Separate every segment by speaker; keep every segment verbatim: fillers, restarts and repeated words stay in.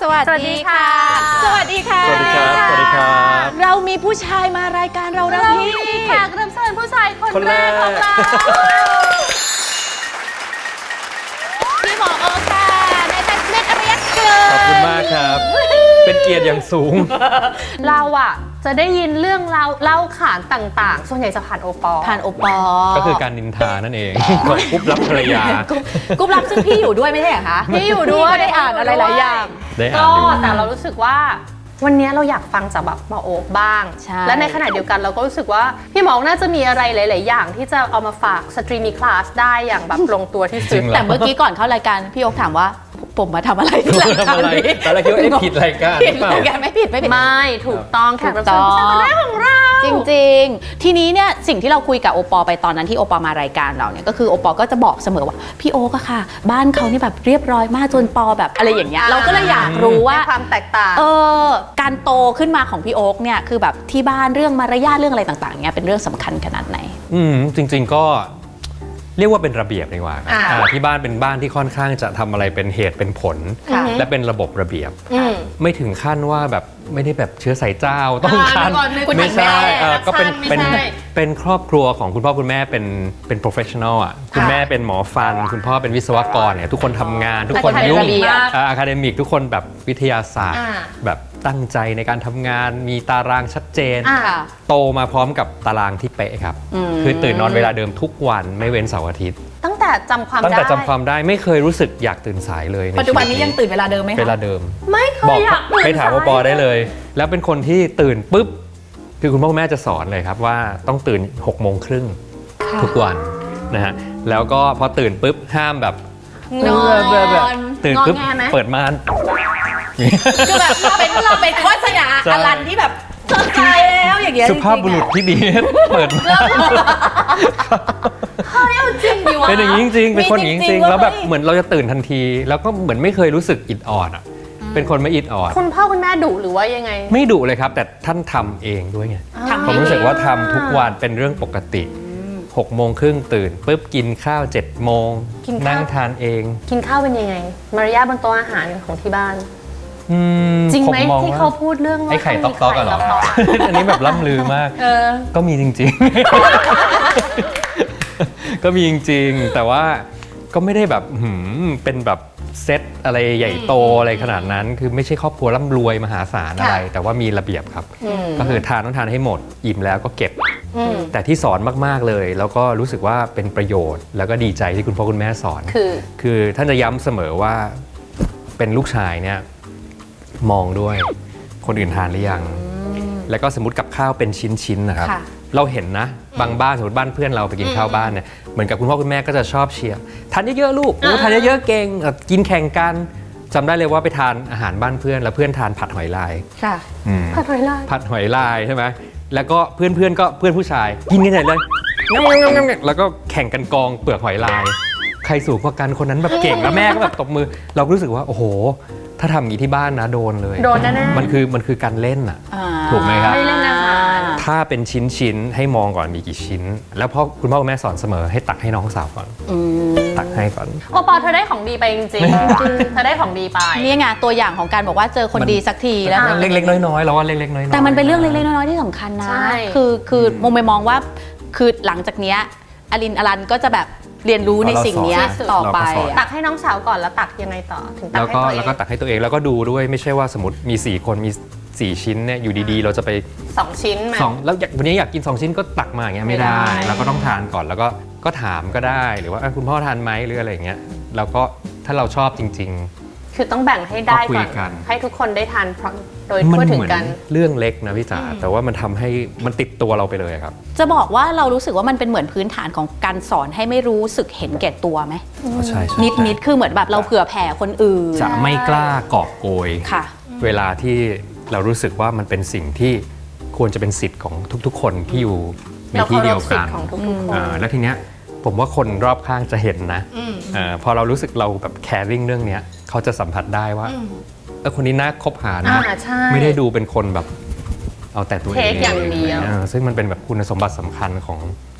Speaker 1: สวัสดีค่ะสวัสดีค่ะ
Speaker 2: สวัสดีครับสวัสดีครับ
Speaker 1: เรามีผู้ชายมารายการเราแล้วพี่แขกรับเชิญผู้ชายคนแรกของเราพี่หมอโอค่ะนายแพทย์เมธอารยเกิด
Speaker 2: ขอบคุณมากครับ เป็นเกียรติอย่างสูง
Speaker 3: เราอะจะได้ยินเรื่องเล่าเล่าขานต่างๆ ส่วนใหญ่จะผ่านโอปอล์
Speaker 1: ผ่านโอปอ
Speaker 2: ก็คือการนินทานั่นเองของกุ๊บรับภรรยา
Speaker 1: กุ๊บรับซึ่งพี่อยู่ด้วยไม่ใช่เหรอคะ
Speaker 3: พี่อยู่ด้วย
Speaker 1: ก็ได้อ่านอะไรหลายอย่าง
Speaker 2: ได้อ่า
Speaker 3: ก็
Speaker 2: นอยู่
Speaker 3: แต่เรารู้สึกว่าวันนี้เราอยากฟังจากแบบหมอโอ๊คบ้าง
Speaker 1: ใช่
Speaker 3: และในขณะเดียวกันเราก็รู้สึกว่าพี่หมอน่าจะมีอะไรหลาย ๆ อย่างที่จะเอามาฝากสตรีมีคลาสได้อย่างแบบลงตัวที่สุด
Speaker 1: แต่เมื่อกี้ก่อนเข้ารายการพี่โอ๊คถามว่าผมมาทำอะไรที่รายการ
Speaker 2: ทำอะไร
Speaker 1: นี้
Speaker 2: ตอนแรกคิดว่าเอ๊ะผิดรายการ
Speaker 1: ผิด
Speaker 2: หรือเปล่า
Speaker 1: รายการไม่ผิดไม่ผิด
Speaker 3: ไม่ถูกต้องแขกรับเชิญผู้ชายคนแรกของเรา
Speaker 1: จริงๆ ทีนี้เนี่ยสิ่งที่เราคุยกับโอปอไปตอนนั้นที่โอปอมารายการเราเนี่ยก็คือโอปอก็จะบอกเสมอว่าพี่โอ๊คอะค่ะ บ้านเขานี่แบบเรียบร้อยมากจนปอแบบอะไรอย่างเงี้ยเราก็เลยอยากรู้ว่า
Speaker 3: ในความแตกต่าง
Speaker 1: เออการโตขึ้นมาของพี่โอ๊คเนี่ยคือแบบที่บ้านเรื่องมารยาทเรื่องอะไรต่างๆเนี่ยเป็นเรื่องสำคัญขนาดไหน
Speaker 2: อืมจริง ๆก็เรียกว่าเป็นระเบียบดีกว่านะ
Speaker 3: อ่า
Speaker 2: อ่าที่บ้านเป็นบ้านที่ค่อนข้างจะทำอะไรเป็นเหตุเป็นผล
Speaker 1: ค่ะ
Speaker 2: และเป็นระบบระเบียบ
Speaker 3: อืม
Speaker 2: ไม่ถึงขั้นว่าแบบไม่ได้แบบเชื้อสายเจ้าต้อง
Speaker 3: อ่า
Speaker 2: คัน
Speaker 3: เมื่อก่อนนึกว่า
Speaker 2: ไม่ใช่
Speaker 3: แม่
Speaker 2: เออก็เป็น
Speaker 3: ไม่
Speaker 2: เป็น
Speaker 3: ใช่
Speaker 2: เป็นครอบครัวของคุณพ่อคุณแม่เป็นเป็น professional อ่ะคุณแม่เป็นหมอฟัน คุณพ่อเป็นวิศวกรเนี่ยทุกคนทำงานทุกคน
Speaker 1: แต่
Speaker 2: ยุ่ง
Speaker 1: ระเบียบ
Speaker 2: อะคาเดมิกทุกคนแบบวิทยาศาสตร์
Speaker 3: อ่า
Speaker 2: แบบตั้งใจในการทำงานมีตารางชัดเจน
Speaker 3: อ่า
Speaker 1: ค่ะ
Speaker 2: โตมาพร้อมกับตารางที่เป๊ะครับ
Speaker 1: อืม
Speaker 2: คือตื่นนอนเวลาเดิมทุกวันไม่เว้นเสาร์อาทิตย์
Speaker 3: ตั้งแต่จำความ
Speaker 2: ตั้ง
Speaker 3: ได้
Speaker 2: แต่จำความได้ไม่เคยรู้สึกอยากตื่นสายเลยใ
Speaker 1: ปัจจุบันนี้
Speaker 2: ชีวิต
Speaker 1: ยังตื่นเวลาเดิมไหมคะ
Speaker 2: เวลาเดิม
Speaker 3: ไม่เค
Speaker 2: บอก
Speaker 3: ยอยากตื่น
Speaker 2: ไปถาม
Speaker 3: ส
Speaker 2: ปอได้เลย แล้วเป็นคนที่ตื่นปุ๊บ คือคุณพ่อคุณแม่จะสอนเลยครับว่าต้องตื่นหกโมงครึ่งทุกวันนะฮะ แล้วก็พอตื่นปุ๊บห้ามแบบ
Speaker 1: นอน
Speaker 2: ตื่นปุ๊บ
Speaker 3: งอแงไหม
Speaker 2: เปิดม่าน
Speaker 1: คือแบบเป็นเราเป็นโฆษณา
Speaker 2: ใช่
Speaker 1: อลันที่แบบเธอตายแล้วอย่างเงี้ย
Speaker 2: สุภาพบุรุษที่ดี เปิดม่าน
Speaker 3: เฮ้ยเอาจริงดิวะ
Speaker 2: เป็นอย่างนี้จริงๆ เป็นคนอย่างนี้จริงๆ
Speaker 1: ว่า
Speaker 2: แล้วแบบ
Speaker 1: ไม่
Speaker 2: เหมือนเราจะตื่นทันที แล้วก็เหมือนไม่เคยรู้สึกอิดออดอ่ะ เป็นคนไม่อิดออด
Speaker 3: คุณพ่อคุณแม่ดุหรือว่ายังไง
Speaker 2: ไม่ดุเลยครับ แต่ท่านทำเองด้วยไง
Speaker 1: ทำ
Speaker 2: ผ
Speaker 1: ให้
Speaker 2: มรู้สึกว่าทำทุกวันเป็นเรื่องปกติหกโมงครึ่งตื่นปุ๊บกินข้าวเจ็ดโมง
Speaker 3: กินข้าว
Speaker 2: นั่งทานเอง
Speaker 3: กินข้าวเป็นยังไง มารยาทบนโต๊ะอาหารของที่บ้าน
Speaker 2: อืม
Speaker 3: จริงไหม
Speaker 2: ผมอง
Speaker 3: ที่
Speaker 2: ว่
Speaker 3: เขาพูดเรื่องว่า
Speaker 2: ไอ้ไข่ต๊อกต๊อกอะเหรอ
Speaker 3: ไข่ต๊อกๆ
Speaker 2: อันนี้แบบล่ำลือมาก
Speaker 3: เออ
Speaker 2: ก็มีจริงๆ ก็มีจริงๆ แต่ว่าก็ไม่ได้แบบหืมเป็นแบบเซตอะไรใหญ่โตอะไรขนาดนั้น คือไม่ใช่ครอบครัวร่ำรวยมหาศาลอะไร แต่ว่ามีระเบียบครับ ก็คือทานต้องทานให้หมด อิ่มแล้วก็เก็บ
Speaker 3: อืม
Speaker 2: แต่ที่สอนมากๆเลย แล้วก็รู้สึกว่าเป็นประโยชน์ แล้วก็ดีใจที่คุณพ่อคุณแม่สอน
Speaker 3: คือ
Speaker 2: คือท่านจะย้ำเสมอว่าเป็นลูกชายเนี่ยมองด้วยคนอื่นทานหรือยัง แล้วก็สมมติกับข้าวเป็นชิ้นๆนะครับ
Speaker 1: ค่ะ
Speaker 2: เราเห็นนะบางบ้านสมมติบ้านเพื่อนเราไปกินข้าวบ้านเนี่ยเหมือนกับคุณพ่อคุณแม่ก็จะชอบเชียร์ทานเยอะๆลูกโอ้ทานเยอะๆเก่งเอ่อกินแข่งกันจำได้เลยว่าไปทานอาหารบ้านเพื่อนแล้วเพื่อนทานผัดหอยลาย
Speaker 1: ค่ะ
Speaker 2: อืม
Speaker 3: ผัดหอยลาย
Speaker 2: ผัดหอยลายใช่ไหมแล้วก็เพื่อนๆก็เพื่อนผู้ชายกินกันใหญ่เลยแล้วก็แข่งกันกองเปลือกหอยลาย ใครสูงกว่ากันคนนั้นแบบเก่งแล้วแม่ก็แบบตบมือ เราก็รู้สึกว่าโอ้โห ถ้าทำอย่างนี้ที่บ้านนะโดนเลย
Speaker 3: โดนแน่ๆ
Speaker 2: มันคือมันคือการเล่นอ่ะ
Speaker 1: อ่า
Speaker 2: ถูกไหมครับ
Speaker 3: ไม่เล่นอาหาร
Speaker 2: ถ้าเป็นชิ้นชิ้นๆให้มองก่อนมีกี่ชิ้น แล้วพ่อคุณพ่อคุณแม่สอนเสมอให้ตักให้น้องสาวก่อน
Speaker 1: อืม
Speaker 2: ตักให้ก่อน
Speaker 3: โอปอเธอได้ของดีไปจริงๆเธอได้ของดีไป
Speaker 1: นี่ไงตัวอย่างของการบอกว่าเจอคน
Speaker 2: มัน
Speaker 1: ดีสักทีแล้ว
Speaker 3: อ่า
Speaker 2: เล็กๆน้อยๆเราว่าเล็กๆน้อยๆ
Speaker 1: แต่มันเป็นเรื่องเล็กๆน้อยๆที่สำคัญนะ
Speaker 3: ใช่
Speaker 1: คือคือมองไปมองว่าคือหลังจากเนี้ยอลินอลันก็จะแบบเรียนรู้ในสิ่งเนี้ยต่อไป
Speaker 3: ตักให้น้องสาวก่อนแล้วตักยังไงต่อถึงตัก
Speaker 2: แล้ว
Speaker 3: ให้
Speaker 2: ก็
Speaker 3: ตัวเอ
Speaker 2: แล้ว
Speaker 3: ง
Speaker 2: ก็ตักให้ตัวเองแล้วก็ดูด้วยไม่ใช่ว่าสมมติมีสี่คนมีสี่ชิ้นเนี่ยอยู่ดีๆ เราจะไป
Speaker 3: สองชิ้นมา
Speaker 2: สองแล้วอยากวันนี้อยากกินสองชิ้นก็ตักมาอย่างเงี้ยไม่ได้
Speaker 3: ไม่ได้
Speaker 2: เราก็ต้องทานก่อนแล้วก็ก็ถามก็ได้หรือว่าเอ้ยคุณพ่อทานไหมหรืออะไรอย่างเงี้ยแล้วก็ถ้าเราชอบจริง
Speaker 3: คือต้องแบ่งให้ได้
Speaker 2: ก็คุ
Speaker 3: ก่
Speaker 2: ย
Speaker 3: อน
Speaker 2: กัน
Speaker 3: ให้ทุกคนได้ทานพร้อมโดย
Speaker 2: ๆ มั
Speaker 3: ทั่วถึ
Speaker 2: เห
Speaker 3: ง
Speaker 2: มือน
Speaker 3: กัน
Speaker 2: เรื่องเล็กนะพี่จ๋าแต่ว่ามันทำให้มันติดตัวเราไปเลยครับ
Speaker 1: จะบอกว่าเรารู้สึกว่ามันเป็นเหมือนพื้นฐานของการสอนให้ไม่รู้สึกเห็นแก่ตัวไหม
Speaker 2: ใช่ใช่
Speaker 1: นิดนิดคือเหมือนแบบเราเผื่อแผ่คนอื่น
Speaker 2: จะไม่กล้ากอบโกย
Speaker 1: ค่ะ
Speaker 2: เวลาที่เรารู้สึกว่ามันเป็นสิ่งที่ควรจะเป็นสิทธิ์ของทุกๆ คนที่อยู่ในที่เดียวกัน
Speaker 3: เราเคารพสิทธิ์ของทุกๆคน
Speaker 2: อ่าแล้วทีเนี้ยผมว่าคนรอบข้างจะเห็นนะเออพอเรารู้สึกเราแบบแคร์ริ่งเรื่องเนี้ยเขาจะสัมผัสได้ว่าเออคนนี้น่าคบหานะ
Speaker 3: อ่าใช่
Speaker 2: ไม่ได้ดูเป็นคนแบบเอาแต่ตัวเอง
Speaker 3: เทคอย่างเดียว
Speaker 2: ออซึ่งมันเป็นแบบคุณสมบัติสำคัญของ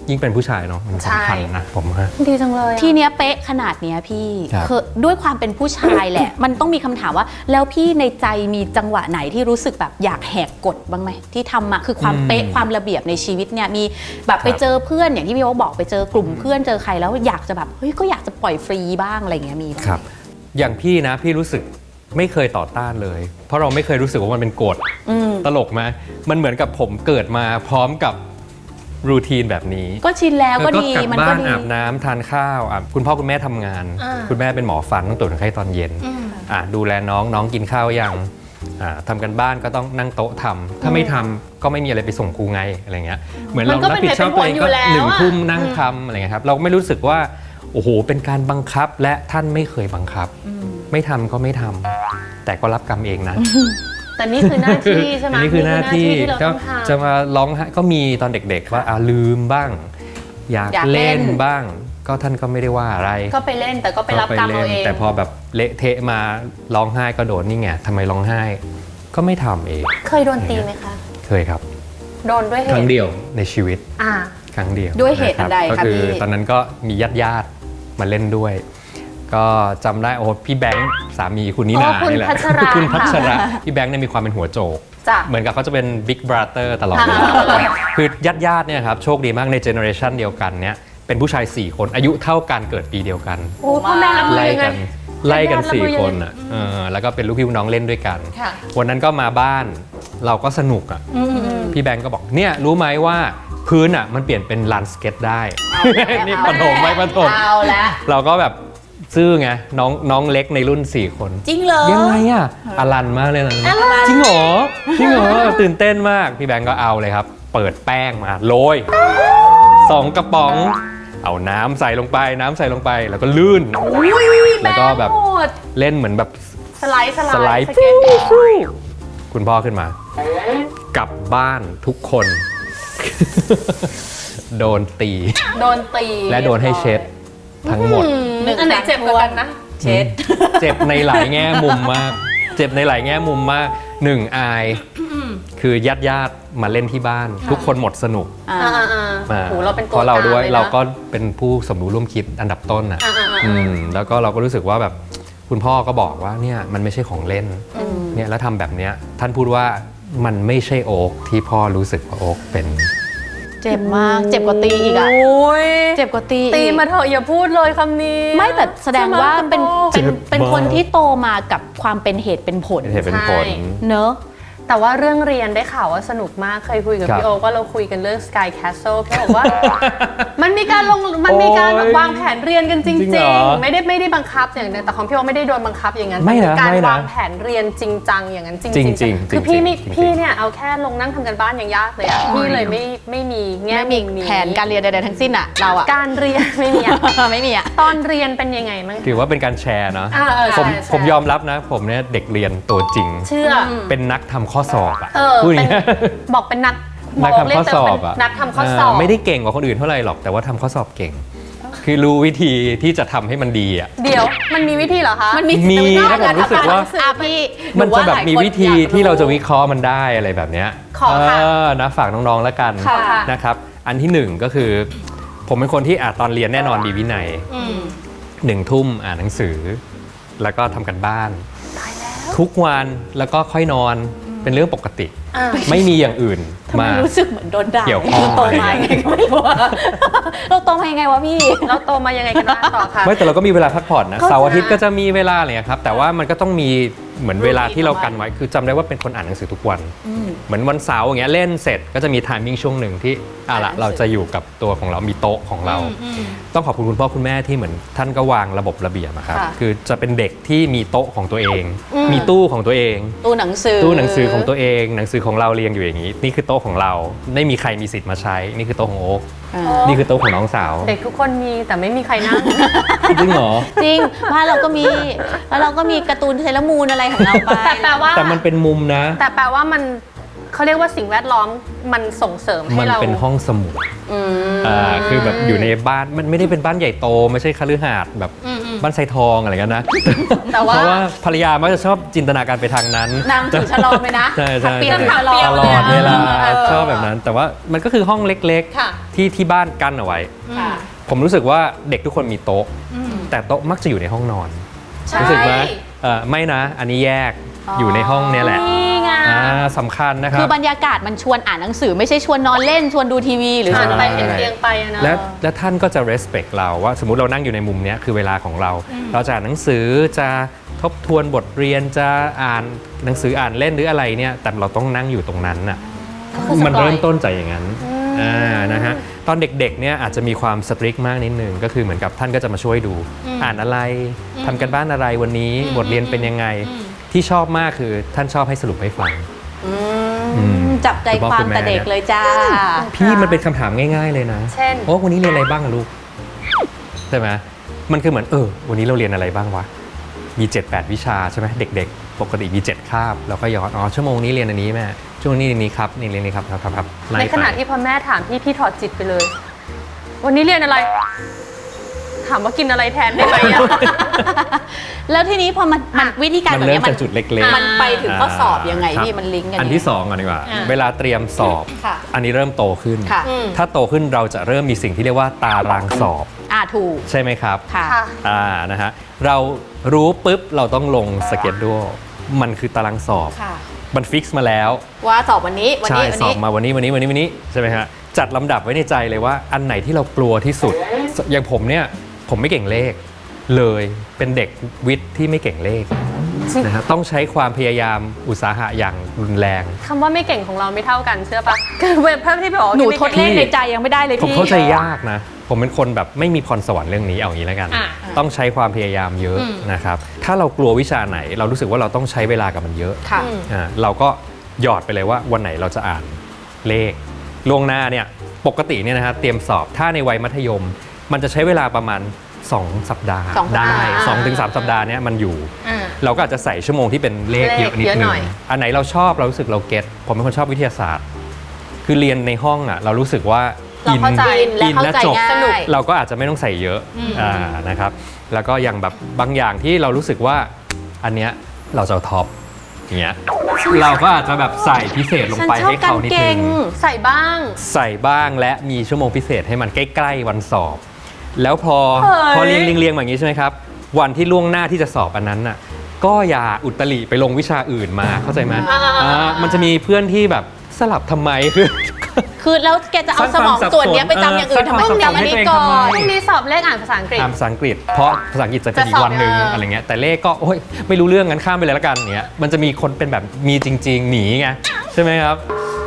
Speaker 2: ยิ่งเป็นผู้ชายเนาะมันสำคัญนะผมฮะ
Speaker 3: ดีจังเลยอะ
Speaker 1: ทีเนี้ยเป๊ะขนาดเนี้ยพี่
Speaker 2: ครับ
Speaker 1: คือด้วยความเป็นผู้ชายแหละ มันต้องมีคำถามว่า แล้วพี่ในใจมีจังหวะไหนที่รู้สึกแบบอยากแหกกฎบ้างไหมที่ทำมาคือความเป๊ะความระเบียบในชีวิตเนี่ยมีแบบไปเจอเพื่อนอย่างที่พี่โอ๊คบอกไปเจอกลุ่มเพื่อนเจอใครแล้วอยากจะแบบเฮ้ยก็อยากจะปล่อยฟรีบ้างอะไรเงี้ยมีบ้างไหม
Speaker 2: ครับอย่างพี่นะพี่รู้สึกไม่เคยต่อต้านเลย เพราะเราไม่เคยรู้สึกว่ามันเป็นกฎ
Speaker 1: อืม
Speaker 2: ตลกไหมมันเหมือนกับผมเกิดมาพร้อมกับรูทีนแบบนี้
Speaker 1: ก็ชินแล้วก็
Speaker 2: แล้ว
Speaker 1: ดี
Speaker 2: กลับ
Speaker 1: มัน
Speaker 2: บ้า
Speaker 1: ก็
Speaker 2: น
Speaker 1: ดี
Speaker 2: อาบน้ำทานข้าวอ่ะคุณพ่อคุณแม่ทำงาน
Speaker 3: อ่า
Speaker 2: คุณแม่เป็นหมอฟันต้องตรวจคนไข้ตอนเย็น
Speaker 3: อืม
Speaker 2: อ่ะดูแลน้องน้องกินข้าวยังอ่าทำกันบ้านก็ต้องนั่งโต๊ะทำถ้าไม่ทำก็ไม่มีอะไรไปส่งครูไงอะไรเงี้ยเหมือนเรา
Speaker 3: มันก็
Speaker 2: รับผิดชอบ
Speaker 3: เป็น
Speaker 2: ตัวเองก็
Speaker 3: เหตุเป็นผลอยู่แล้ว
Speaker 2: หนึ่ง
Speaker 3: อะ
Speaker 2: ทุ่มนั่งทำอะไรเงี้ยครับเราไม่รู้สึกว่าโอ้โหเป็นการบังคับและท่านไม่เคยบังคับ ไม่ทำก็ไม่ทำแต่ก็รับกรรมเองนะ
Speaker 3: แต่นี่คือหน้าที่ใช่ไหม
Speaker 2: อันนี้คือหน้าที่
Speaker 3: ที่เรา
Speaker 2: ก็
Speaker 3: ต้องทำ
Speaker 2: จะมาร้องไห้ก็มีตอนเด็กๆว่าอ่าลืมบ้าง อยาก
Speaker 1: อยากเล่
Speaker 2: เล่
Speaker 1: น
Speaker 2: นบ้าง ก็ท่านก็ไม่ได้ว่าอะไร
Speaker 3: ก็ไปเล่นแต่ก็ไปรับกรรมเอาเอง
Speaker 2: แต่พอแบบเละเทะมาร้องไห้ก็โดนนี่ไงทำไมร้องไห้ ก็ไม่ทำเอง
Speaker 3: เคยโดนตีไหมคะ
Speaker 2: เคยครับ
Speaker 3: โดนด้วยเห
Speaker 2: ครั้ง
Speaker 3: ตุ
Speaker 2: เดียวในชีวิต
Speaker 3: อ่า
Speaker 2: ครั้งเดียว
Speaker 1: ด้วยเหตุอันใด
Speaker 2: ก็
Speaker 1: คะ
Speaker 2: คือ
Speaker 1: พี่
Speaker 2: ตอนนั้นก็มีญาติญาติๆมาเล่นด้วย ก็จำได้โอ้พี่แบงค์สามีคุณนิ
Speaker 3: อ๋
Speaker 2: นา
Speaker 3: อคุณ
Speaker 2: นี่แหละ
Speaker 3: พัชรา
Speaker 2: คุณพัชระ
Speaker 3: ค่ะ
Speaker 2: พี่แบงค์เนี่ยมีความเป็นหัวโจก
Speaker 3: จ้ะ
Speaker 2: เหมือนกับเขาจะเป็นบิ๊กบราเตอร์ตลอดเวลา
Speaker 3: อ่า
Speaker 2: คือญาติญาติๆเนี่ยครับโชคดีมากในเจเนอเรชันเดียวกันเนี่ยเป็นผู้ชาย สี่ คนอายุเท่ากันเกิดปีเดียวกัน
Speaker 3: โอ้พ่อแม่รับมือ
Speaker 2: ไล่
Speaker 3: ยังไง
Speaker 2: กันไล่กัน
Speaker 3: ญาติๆ
Speaker 2: สี่
Speaker 3: รับมือยังไง
Speaker 2: คนอ่ะเออแล้วก็เป็นลูกพี่ลูกน้องเล่นด้วยกัน
Speaker 3: ค่ะ
Speaker 2: วันนั้นก็มาบ้านเราก็สนุกอ่ะ
Speaker 3: อืมอืม
Speaker 2: พี่แบงก์ก็บอกเนี่ยรู้ไหมว่าพื้นอ่ะมันเปลี่ยนเป็นลานสเก็ตได้ นี่ปฐมไม่ปฐม
Speaker 1: เอาแล้ว
Speaker 2: เราก็แบบซื่อไงน้องน้องเล็กในรุ่น สี่ คน
Speaker 1: จริงเหรอ
Speaker 2: ยังไงอ่ะอลันมากเลยนะจริงเหรอจริงเหรอตื่นเต้นมากพี่แบงก์ก็เอาเลยครับ เปิดแป้งมาโรยสองกระป๋อง เอาน้ำใส่ลงไปน้ำใส่ลงไปแล้วก็ลื่น
Speaker 1: อุ้ย
Speaker 2: แล้วก็แบบ
Speaker 1: โหด
Speaker 2: เล่นเหมือนแบบ
Speaker 3: สไลด์สไล
Speaker 2: สไลด์
Speaker 3: ด์สเก็ตบอร์ด
Speaker 2: คุณพ่อขึ้นมา กลับบ้านทุกคน โดนตี
Speaker 3: โดนตี
Speaker 2: และโดนให้เช็ดทั้งหมด
Speaker 3: อืมอันไหนเจ็บกว่ากันนะ
Speaker 1: เช็ด
Speaker 2: เจ็บในหลายแง่มุมมาก เจ็บในหลายแง่มุมมากหนึ่งอาย คือญาติญาติๆมาเล่นที่บ้าน ทุกคนหมดสนุก
Speaker 1: อ่า
Speaker 3: อ่าอ่า
Speaker 2: มา
Speaker 3: โหเราเป็นตัว
Speaker 2: เพราะเราด้วย
Speaker 3: กลงลนะ
Speaker 2: เราก็เป็นผู้สมรู้ร่วมคิดอันดับต้นอ่ะ
Speaker 3: อ่าอ่าอ่า
Speaker 2: อืมแล้วก็เราก็รู้สึกว่าแบบคุณพ่อก็บอกว่าเนี่ยมันไม่ใช่ของเล่น
Speaker 3: อืม
Speaker 2: เนี่ยแล้วทำแบบเนี้ยท่านพูดว่ามันไม่ใช่โอ๊กที่พ่อรู้สึกว่าโอ๊กเป็น
Speaker 1: เจ็บมากเจ็บกว่าตีอีกอะ
Speaker 3: โอ้ย
Speaker 1: เจ็บกว่าตี
Speaker 3: ตี
Speaker 1: อีก
Speaker 3: มาเถอะอย่าพูดเลยคำนี้
Speaker 1: ไม่แต่แสดงว่าเป็น
Speaker 3: ใช่ไหม
Speaker 1: เป็นเป็นคนที่โตมากับความเป็นเหตุเป็นผล
Speaker 2: เป็นเหตุเป็นผล
Speaker 3: ใช่
Speaker 1: เนอะ
Speaker 3: แต่ว่าเรื่องเรียนได้ข่าวว่าสนุกมากเคยคุยกับ
Speaker 2: ครับ
Speaker 3: พี่โอว่าเราคุยกันเรื่อง Sky Castle พี่บอกว่า มันมีการลงมันมีการแบบ
Speaker 2: โอ้ยว
Speaker 3: างแผนเรียนกันจ
Speaker 2: จริ
Speaker 3: ริ
Speaker 2: งเหรง อ
Speaker 3: ๆ ไม่ได้ไม่ได้บังคับอย่างนั้นแต่ของพี่โอไม่ได้โดนบังคับอย่างนั้น
Speaker 2: ไม่นะ
Speaker 3: แต่การ
Speaker 2: ไม่นะ
Speaker 3: วางแผนเรียนจริงจังอย่างนั้นจริง
Speaker 2: จริงๆจริงๆ
Speaker 3: คือพี่ไม่
Speaker 2: จริงๆ
Speaker 3: พี่เนี่ยเอาแค่ลงนั่งทำกันบ้านยังยากเลยอะพี่เลยไม่ไม่มีแง่
Speaker 1: ไม่มี
Speaker 3: มุนี้
Speaker 1: แผนการเรียนใดๆทั้งสิ้นอะเราอะ
Speaker 3: การเรียนไม่มีอะ
Speaker 1: ไม่มีอะ
Speaker 3: ตอนเรียนเป็นยังไงมั้ง
Speaker 2: ถือว่าเป็นการแชร์เนาะ
Speaker 3: อ่าเออ
Speaker 2: ผม
Speaker 3: ใช่ใช่
Speaker 2: ผมยอมรับนะ ผมเนี่ยเด็กเรียนตัวจริง
Speaker 3: เชื่ออ
Speaker 2: เป็นนักทำข้อสอบอะ
Speaker 3: เออ
Speaker 2: พูดอย่าง
Speaker 3: เป็น
Speaker 2: เงี้ย
Speaker 3: บอกเป็นนัก
Speaker 2: นักทำข้อสอบอะ
Speaker 3: นักทำข้อสอบ
Speaker 2: าไม่ได้เก่งกว่าคนอื่นเท่าไหร่หรอกแต่ว่าทำข้อสอบเก่ง คือรู้วิธีที่จะทำให้มันดีอะ
Speaker 3: เดี๋ยวมันมีวิธีเหรอคะ
Speaker 1: มันมี
Speaker 2: มี
Speaker 1: แต่
Speaker 2: นะผมรู้สึกว่า
Speaker 1: อ่ะพี่ห
Speaker 2: มันจะแบบ
Speaker 1: หลาย
Speaker 2: มี
Speaker 1: คน
Speaker 2: วิธี
Speaker 1: อยก
Speaker 2: ที่เราจะวิเคราะห์มันได้อะไรแบบเนี้ย
Speaker 3: ขอค่ะ
Speaker 2: เออนะฝากน้องๆแล้วกัน
Speaker 3: ค่ะ
Speaker 2: นะครับอันที่หนึ่งก็คือ ผมเป็นคนที่อ่ะตอนเรียนแน่นอนมีวินัย
Speaker 3: อืม
Speaker 2: หนึ่งทุ่มอ่านหนังสือ แล้วก็ทำกันบ้าน ทุกวันแล้วก็ค่อยนอนเป็นเรื่องปกติ
Speaker 3: อ่า
Speaker 2: ไม่มีอย่างอื่น
Speaker 1: ทำไม
Speaker 2: มา
Speaker 1: รู้สึกเหมือนโดนด่า
Speaker 2: เกี่ยวข้อง
Speaker 1: เราโตมายังไงก็ไม่รู้อะเราโตมายังไงวะพี่
Speaker 3: เราโตมายังไงกันบ้างต่อค่ะ
Speaker 2: ไม่แต่เราก็มีเวลาพักผ่อนนะ
Speaker 1: เข้าใจ
Speaker 2: เสาร์อาทิตย์ก็จะมีเวลาอะไรอย่างเงี้ยครับแต่ว่ามันก็ต้องมีเหมือนเวลาที่เรากันไว้คือจำได้ว่าเป็นคนอ่านหนังสือทุกวัน
Speaker 1: อืม
Speaker 2: เหมือนวันเสาร์อย่างเงี้ยเล่นเสร็จก็จะมีไทมิ่งช่วงหนึ่งที่อ่ะละ
Speaker 1: อ่านหนังสือ
Speaker 2: เราจะอยู่กับตัวของเรามีโต๊ะของเรา ต้องขอบคุณคุณพ่อคุณแม่ที่เหมือนท่านก็วางระบบระเบียบอะครับ
Speaker 1: ค่ะ
Speaker 2: คือจะเป็นเด็กที่มีโต๊ะของตัวเอง
Speaker 3: อืม
Speaker 2: มีตู้ของตัวเอง
Speaker 1: ตู้หนังสือ
Speaker 2: ตู้หนังสือของตัวเองหนังสือของเราเรียงอยู่อย่างนี้ นี่คือโต๊ะของเราไม่มีใครมีสิทธิ์มาใช้ นี่คือโต๊ะของโอ๊ค
Speaker 1: อ่า
Speaker 2: นี่คือโต๊ะของน้องสาว
Speaker 3: เด็กทุกคนมีแต่ไม่มีใครนั่ง
Speaker 2: จริงเหรอ
Speaker 1: จริงบ้านเราก็มีแล้วเราก็มีการ์ตูนเซเลอรามูนอะไรของเราไป
Speaker 3: แต่แปลว่า
Speaker 2: แต่มันเป็นมุมนะ
Speaker 3: แต่แปลว่ามันเขาเรียกว่าสิ่งแวดล้อมมันส่งเสริมให้
Speaker 2: มัน
Speaker 3: เรา
Speaker 2: เป็นห้องสมุด
Speaker 1: อืม
Speaker 2: อ่าคือแบบอยู่ในบ้านมันไม่ได้เป็นบ้านใหญ่โตไม่ใช่คฤหาสน์แบบบ้านไซทองอะไรกันนะ
Speaker 3: แต่ว่า
Speaker 2: เพราะว่าภรรยามักจะชอบจินตนาการไปทางนั้น
Speaker 1: นางถือฉลอมไหมนะ
Speaker 2: ใช่ใช่
Speaker 1: ถักเปียก
Speaker 2: ใช่
Speaker 1: ฉลอม
Speaker 2: ตลอดเวลา
Speaker 1: เออ
Speaker 2: ชอบแบบนั้น แต่ว่ามันก็คือห้องเล็ก
Speaker 3: ค่ะ
Speaker 2: ๆ ที่ที่บ้านกั้นเอาไว้
Speaker 1: ค่ะ
Speaker 2: ผมรู้สึกว่าเด็กทุกคนมีโต๊ะ แต่โต๊ะมักจะอยู่ในห้องนอน
Speaker 3: ใช่
Speaker 2: รู้สึกไหมเอ่อไม่นะ อันนี้แยกอยู่ในห้องเนี่ยแหละ
Speaker 3: นี่ไง
Speaker 2: อ่าสำคัญนะค
Speaker 1: คื
Speaker 2: รั
Speaker 1: อบ บรรยากาศมันชวนอ่านหนังสือไม่ใช่ชวนนอนเล่นชวนดูทีวีหรือ
Speaker 3: หั
Speaker 1: ชวน น
Speaker 3: ไป
Speaker 1: ไป
Speaker 3: เห็นเตียงไปอะนะ
Speaker 2: และและท่านก็จะ respect เราว่าสมมุติเรานั่งอยู่ในมุมเนี้ยคือเวลาของเรา เราจะอ่านหนังสือจะทบทวนบทเรียนจะอ่านหนังสืออ่านเล่นหรืออะไรเนี่ยแต่เราต้องนั่งอยู่ตรงนั้นน่ะ
Speaker 3: คือสปอย
Speaker 2: มันเริ่มต้นจากอย่างนั้นอ่านะฮะตอนเด็กๆเนี่ยอาจจะมีความสตริกมากนิดนึงก็คือเหมือนกับท่านก็จะมาช่วยดู อ่านอะไรทำกันบ้านอะไรวันนี้บทเรียนเป็นยังไงที่ชอบมากคือท่านชอบให้สรุปให้ฟัง
Speaker 1: อืมจับใจความแต่เด็กเลยจ้า
Speaker 2: พี่มันเป็นคำถามง่ายๆเลยนะ
Speaker 3: เช่น
Speaker 2: โอ้วันนี้เรียนอะไรบ้างอะลูกใช่ไหมมันคือเหมือนเออวันนี้เราเรียนอะไรบ้างวะมีเจ็ดแปดวิชาใช่ไหมเด็กๆ ปกติมีเจ็ดคาบเราก็ย้อนอ๋อชั่วโมงนี้เรียนอันนี้แม่ชั่วโมงนี้เรียนนี้ครับนี่เรียนนี้ครับครับครับครับไล่
Speaker 3: ใน
Speaker 2: ไป
Speaker 3: ขณะที่พอแม่ถามพี่พี่ถอดจิตไปเลย วันนี้เรียนอะไร ถามว่ากินอะไรแทนได้ไหมอะ
Speaker 1: แล้วทีนี้พอมันมันวิธีการ
Speaker 2: มัน
Speaker 1: แบบ
Speaker 2: เริ่ม
Speaker 1: เนี้ยมั
Speaker 2: จากจุดเล็กๆ
Speaker 1: มันไปถึงข้อสอบยังไง
Speaker 2: ครับ
Speaker 1: พี่มันลิงก์กัน
Speaker 2: อันที่สองก่อนดีกว่า
Speaker 3: อ่า
Speaker 2: เวลาเตรียมสอบ
Speaker 1: ค่ะ
Speaker 2: อันนี้เริ่มโตขึ้น
Speaker 1: ค่ะ
Speaker 3: อืม
Speaker 2: ถ้าโตขึ้นเราจะเริ่มมีสิ่งที่เรียกว่าตารางสอบ
Speaker 1: อ่าถูก
Speaker 2: ใช่ไหมครับ
Speaker 1: ค่ะ
Speaker 3: ค่ะ
Speaker 2: อ่านะฮะเรารู้ปุ๊บเราต้องลงสเก็ตด้วยมันคือตารางสอบ
Speaker 1: ค่ะ
Speaker 2: มันฟิกซ์มาแล้ว
Speaker 1: ว่าสอบวันนี้วัน
Speaker 2: ใช่
Speaker 1: นี้วัน
Speaker 2: สอบ
Speaker 1: นี้
Speaker 2: มาวันนี้วันนี้วันนี้วันนี้ใช่ไหมฮะจัดลำดับไว้ในใจเลยว่าอันไหนที่เรากลัวที่สุด อย่างผมเนี่ยผมไม่เก่งเลขเลยเป็นเด็กวิทย์ที่ไม่เก่งเลขนะฮะต้องใช้ความพยายามอุตสาหะอย่างรุนแรง
Speaker 3: คำว่าไม่เก่งของเราไม่เท่ากันเชื่อปะคือเว็บเพิ่มที่บอกว่า
Speaker 1: หนู
Speaker 3: ไม่
Speaker 1: ทด
Speaker 3: เก่ง
Speaker 1: เลขในใจยังไม่ได้เลย
Speaker 2: ผม
Speaker 1: พี่
Speaker 2: เข้าใจยากนะ ผมเป็นคนแบบไม่มีพรสวรรค์เรื่องนี้เอาอย่างนี้แล้วกัน
Speaker 3: อ่ะ
Speaker 2: ต้องใช้ความพยายามเยอะนะครับ ถ้าเรากลัววิชาไหน เรารู้สึกว่าเราต้องใช้เวลากับมันเยอะ
Speaker 1: ค่ะ
Speaker 2: อ่าเราก็หยอดไปเลยว่าวันไหนเราจะอ่านเลขล่วงหน้าเนี่ยปกติเนี่ยนะฮะเตรียมสอบถ้าในวัยมัธยม มันจะใช้เวลาประมาณสองสัปดาห์
Speaker 1: สองสัปดาห์
Speaker 2: ได้สองถึงสามสัปดาห์เนี้ยมันอยู่
Speaker 3: อ่า
Speaker 2: เราก็อาจจะใส่ชั่วโมงที่เป็นเลขเยอะนิด
Speaker 3: เยอะ
Speaker 2: นึ
Speaker 3: ห
Speaker 2: ง
Speaker 3: น่อย
Speaker 2: อันไหนเราชอบเรารู้สึกเราเก็ตผมเป็นคนชอบวิทยาศาสตร์ คือเรียนในห้องอ่ะเรารู้สึกว่า
Speaker 3: เราเข้าใจ
Speaker 1: และ
Speaker 2: อิน
Speaker 1: เข้า
Speaker 2: และ
Speaker 1: ใจ
Speaker 2: จบ
Speaker 1: ง่าย
Speaker 3: สนุก
Speaker 2: เราก็อาจจะไม่ต้องใส่เยอะอ่านะครับแล้วก็อย่างแบบบางอย่างที่เรารู้สึกว่าอันเนี้ยเราจะเอาท็อปอย่างเงี้ยเราก็อาจจะแบบใส่พิเศษลง
Speaker 1: ฉัน
Speaker 2: ไป
Speaker 1: ชอบ
Speaker 2: ให้
Speaker 1: การ
Speaker 2: เขานิด
Speaker 1: เก่
Speaker 2: นึ
Speaker 1: ง
Speaker 2: ง
Speaker 3: ใส่บ้าง
Speaker 2: ใส่บ้างและมีชั่วโมงพิเศษให้มันใกล้ๆวันสอบ แล้วพอ
Speaker 3: เฮ้ย
Speaker 2: พอเรียงเรียงเรียงแบบนี้ใช่ไหมครับ วันที่ล่วงหน้าที่จะสอบอันนั้นน่ะก็อย่าอุตริไปลงวิชาอื่นมาเข้าใจไหมอ่ามันจะมีเพื่อนที่แบบสลับทำไมคือ
Speaker 1: คือแล้วแกจะเอาสมองส่วนเนี้ยไปจำอย่างอื่นทำไม
Speaker 2: สร้างความสับสน
Speaker 1: จำอันนี้
Speaker 2: ให้ตัวเอง
Speaker 1: ก่อ
Speaker 2: ทำไม
Speaker 1: น
Speaker 3: พรุ่งนี้สอบเลขอ่านภาษาอังกฤษ
Speaker 2: อ่านภาษาอังกฤษ เพราะภาษาอังกฤษจะเป็นอี
Speaker 3: จะ
Speaker 2: ก
Speaker 3: สอบ
Speaker 2: วันหนึ่ง
Speaker 3: เอออ
Speaker 2: อะไรเงี้ยแต่เลขก็โอ้ยไม่รู้เรื่องงั้นข้ามไปเลยละกันเนี้ยมันจะมีคนเป็นแบบมีจริง ๆ หนีไงใช่ไหมครับ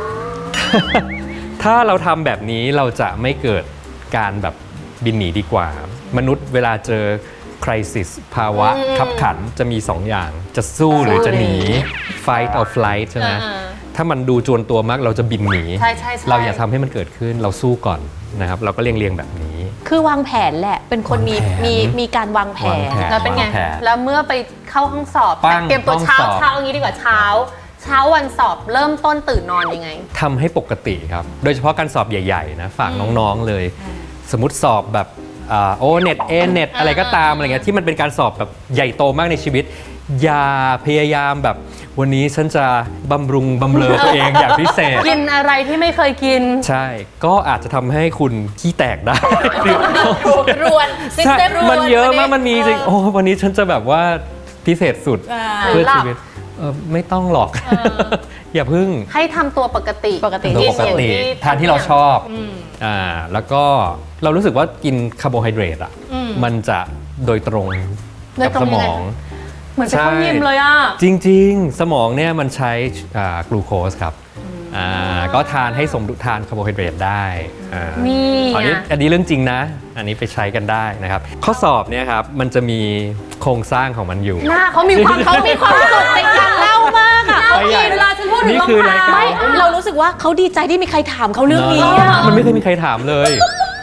Speaker 2: ถ้าเราทำแบบนี้เราจะไม่เกิดการแบบบินหนีดีกว่า มนุษย์เวลาเจอ crisis ภาวะขับขันจะมีสองอย่างจะสู้หรือจะหนี fight or flight ใช่ไหม
Speaker 3: อ่า
Speaker 2: ถ้ามันดูจวนตัวมากเราจะบินหนี
Speaker 3: ใช่ใช่ใช่
Speaker 2: เราอย่าทำให้มันเกิดขึ้นเราสู้ก่อนนะครับเราก็เรียงเรียงๆแบบนี้
Speaker 1: คือวางแผนแหละ เป็นคนมี
Speaker 2: วางแผน
Speaker 1: มีมีการวางแผ
Speaker 2: วาง
Speaker 1: น
Speaker 2: แผน
Speaker 3: แล้วเป็นไง
Speaker 2: วางแผน
Speaker 3: แล้วเมื่อไปเข้าห้องสอบ
Speaker 2: ปั้ง
Speaker 3: เตรียมตัว
Speaker 2: ห้อง
Speaker 3: เช้า
Speaker 2: สอบ
Speaker 3: เช้าอย่างนี้ดีกว่าเช้า เช้าวันสอบเริ่มต้นตื่นนอนยังไง
Speaker 2: ทำให้ปกติครับ โดยเฉพาะการสอบใหญ่ๆนะฝากน้องๆเลย สมมติสอบแบบอ่าโอเน็ตเอเน็ตอะไรก็ตามอะไรเงี้ยที่มันเป็นการสอบแบบใหญ่โตมากในชีวิต อย่าพยายามแบบวันนี้ฉันจะบำรุงบำเรอตัวเองอย่างพิเศษ
Speaker 3: กินอะไรที่ไม่เคยกิน
Speaker 2: ใช่ ก็อาจจะทำให้คุณขี้แตกได้
Speaker 1: รวนซิส
Speaker 2: ใช่
Speaker 1: เต็มรวน
Speaker 2: มันเยอะมาก
Speaker 1: วั
Speaker 2: มันมีจริง โอ้ วันนี้ฉันจะแบบว่าพิเศษสุด
Speaker 1: อ่า
Speaker 2: เพื่อชีวิตเออไม่ต้องหรอก อย่าพึ่ง
Speaker 3: ให้ทำตัวปกติ
Speaker 1: ปกติ
Speaker 2: ตัวปกติ
Speaker 3: ที่
Speaker 2: ทานที่เราชอบ
Speaker 3: ม
Speaker 2: อ่าแล้วก็เรารู้สึกว่ากินคาร์โบไฮเดรตอ่ะ
Speaker 3: อืม
Speaker 2: มันจะโดยตรง
Speaker 3: โดย
Speaker 2: กับ
Speaker 3: ตร
Speaker 2: ส
Speaker 3: ง
Speaker 2: ม
Speaker 3: ยังไง
Speaker 2: อง
Speaker 3: เหมือนจะเข้ายิมเลยอ่ะ
Speaker 2: จริง ๆ สมองเนี่ยมันใช้อ่ากลูโคสครับอ่าก็ทานให้สมดุลทานคาร์โบไฮเดรตได้อ่า
Speaker 3: นี่
Speaker 2: อันนี้
Speaker 3: อ่ะ
Speaker 2: อันนี้เรื่องจริงนะ อันนี้ไปใช้กันได้นะครับ ข้อสอบเนี่ยครับมันจะมีโครงสร้างของมันอยู่
Speaker 3: หน้าเขามีความ
Speaker 1: เขามีความสุขในการเล่ามากอะ
Speaker 3: เขามีเวลาฉันพูดถึง
Speaker 2: นี่
Speaker 3: รอง
Speaker 2: คือราย
Speaker 3: เท้า
Speaker 2: การ
Speaker 1: ไม่เรารู้สึกว่าเขาดีใจที่มีใครถามเขาเรื่องนี้
Speaker 2: เน
Speaker 1: อะ
Speaker 2: อะมันไม่เคยมีใครถามเลย
Speaker 3: ที่แบบ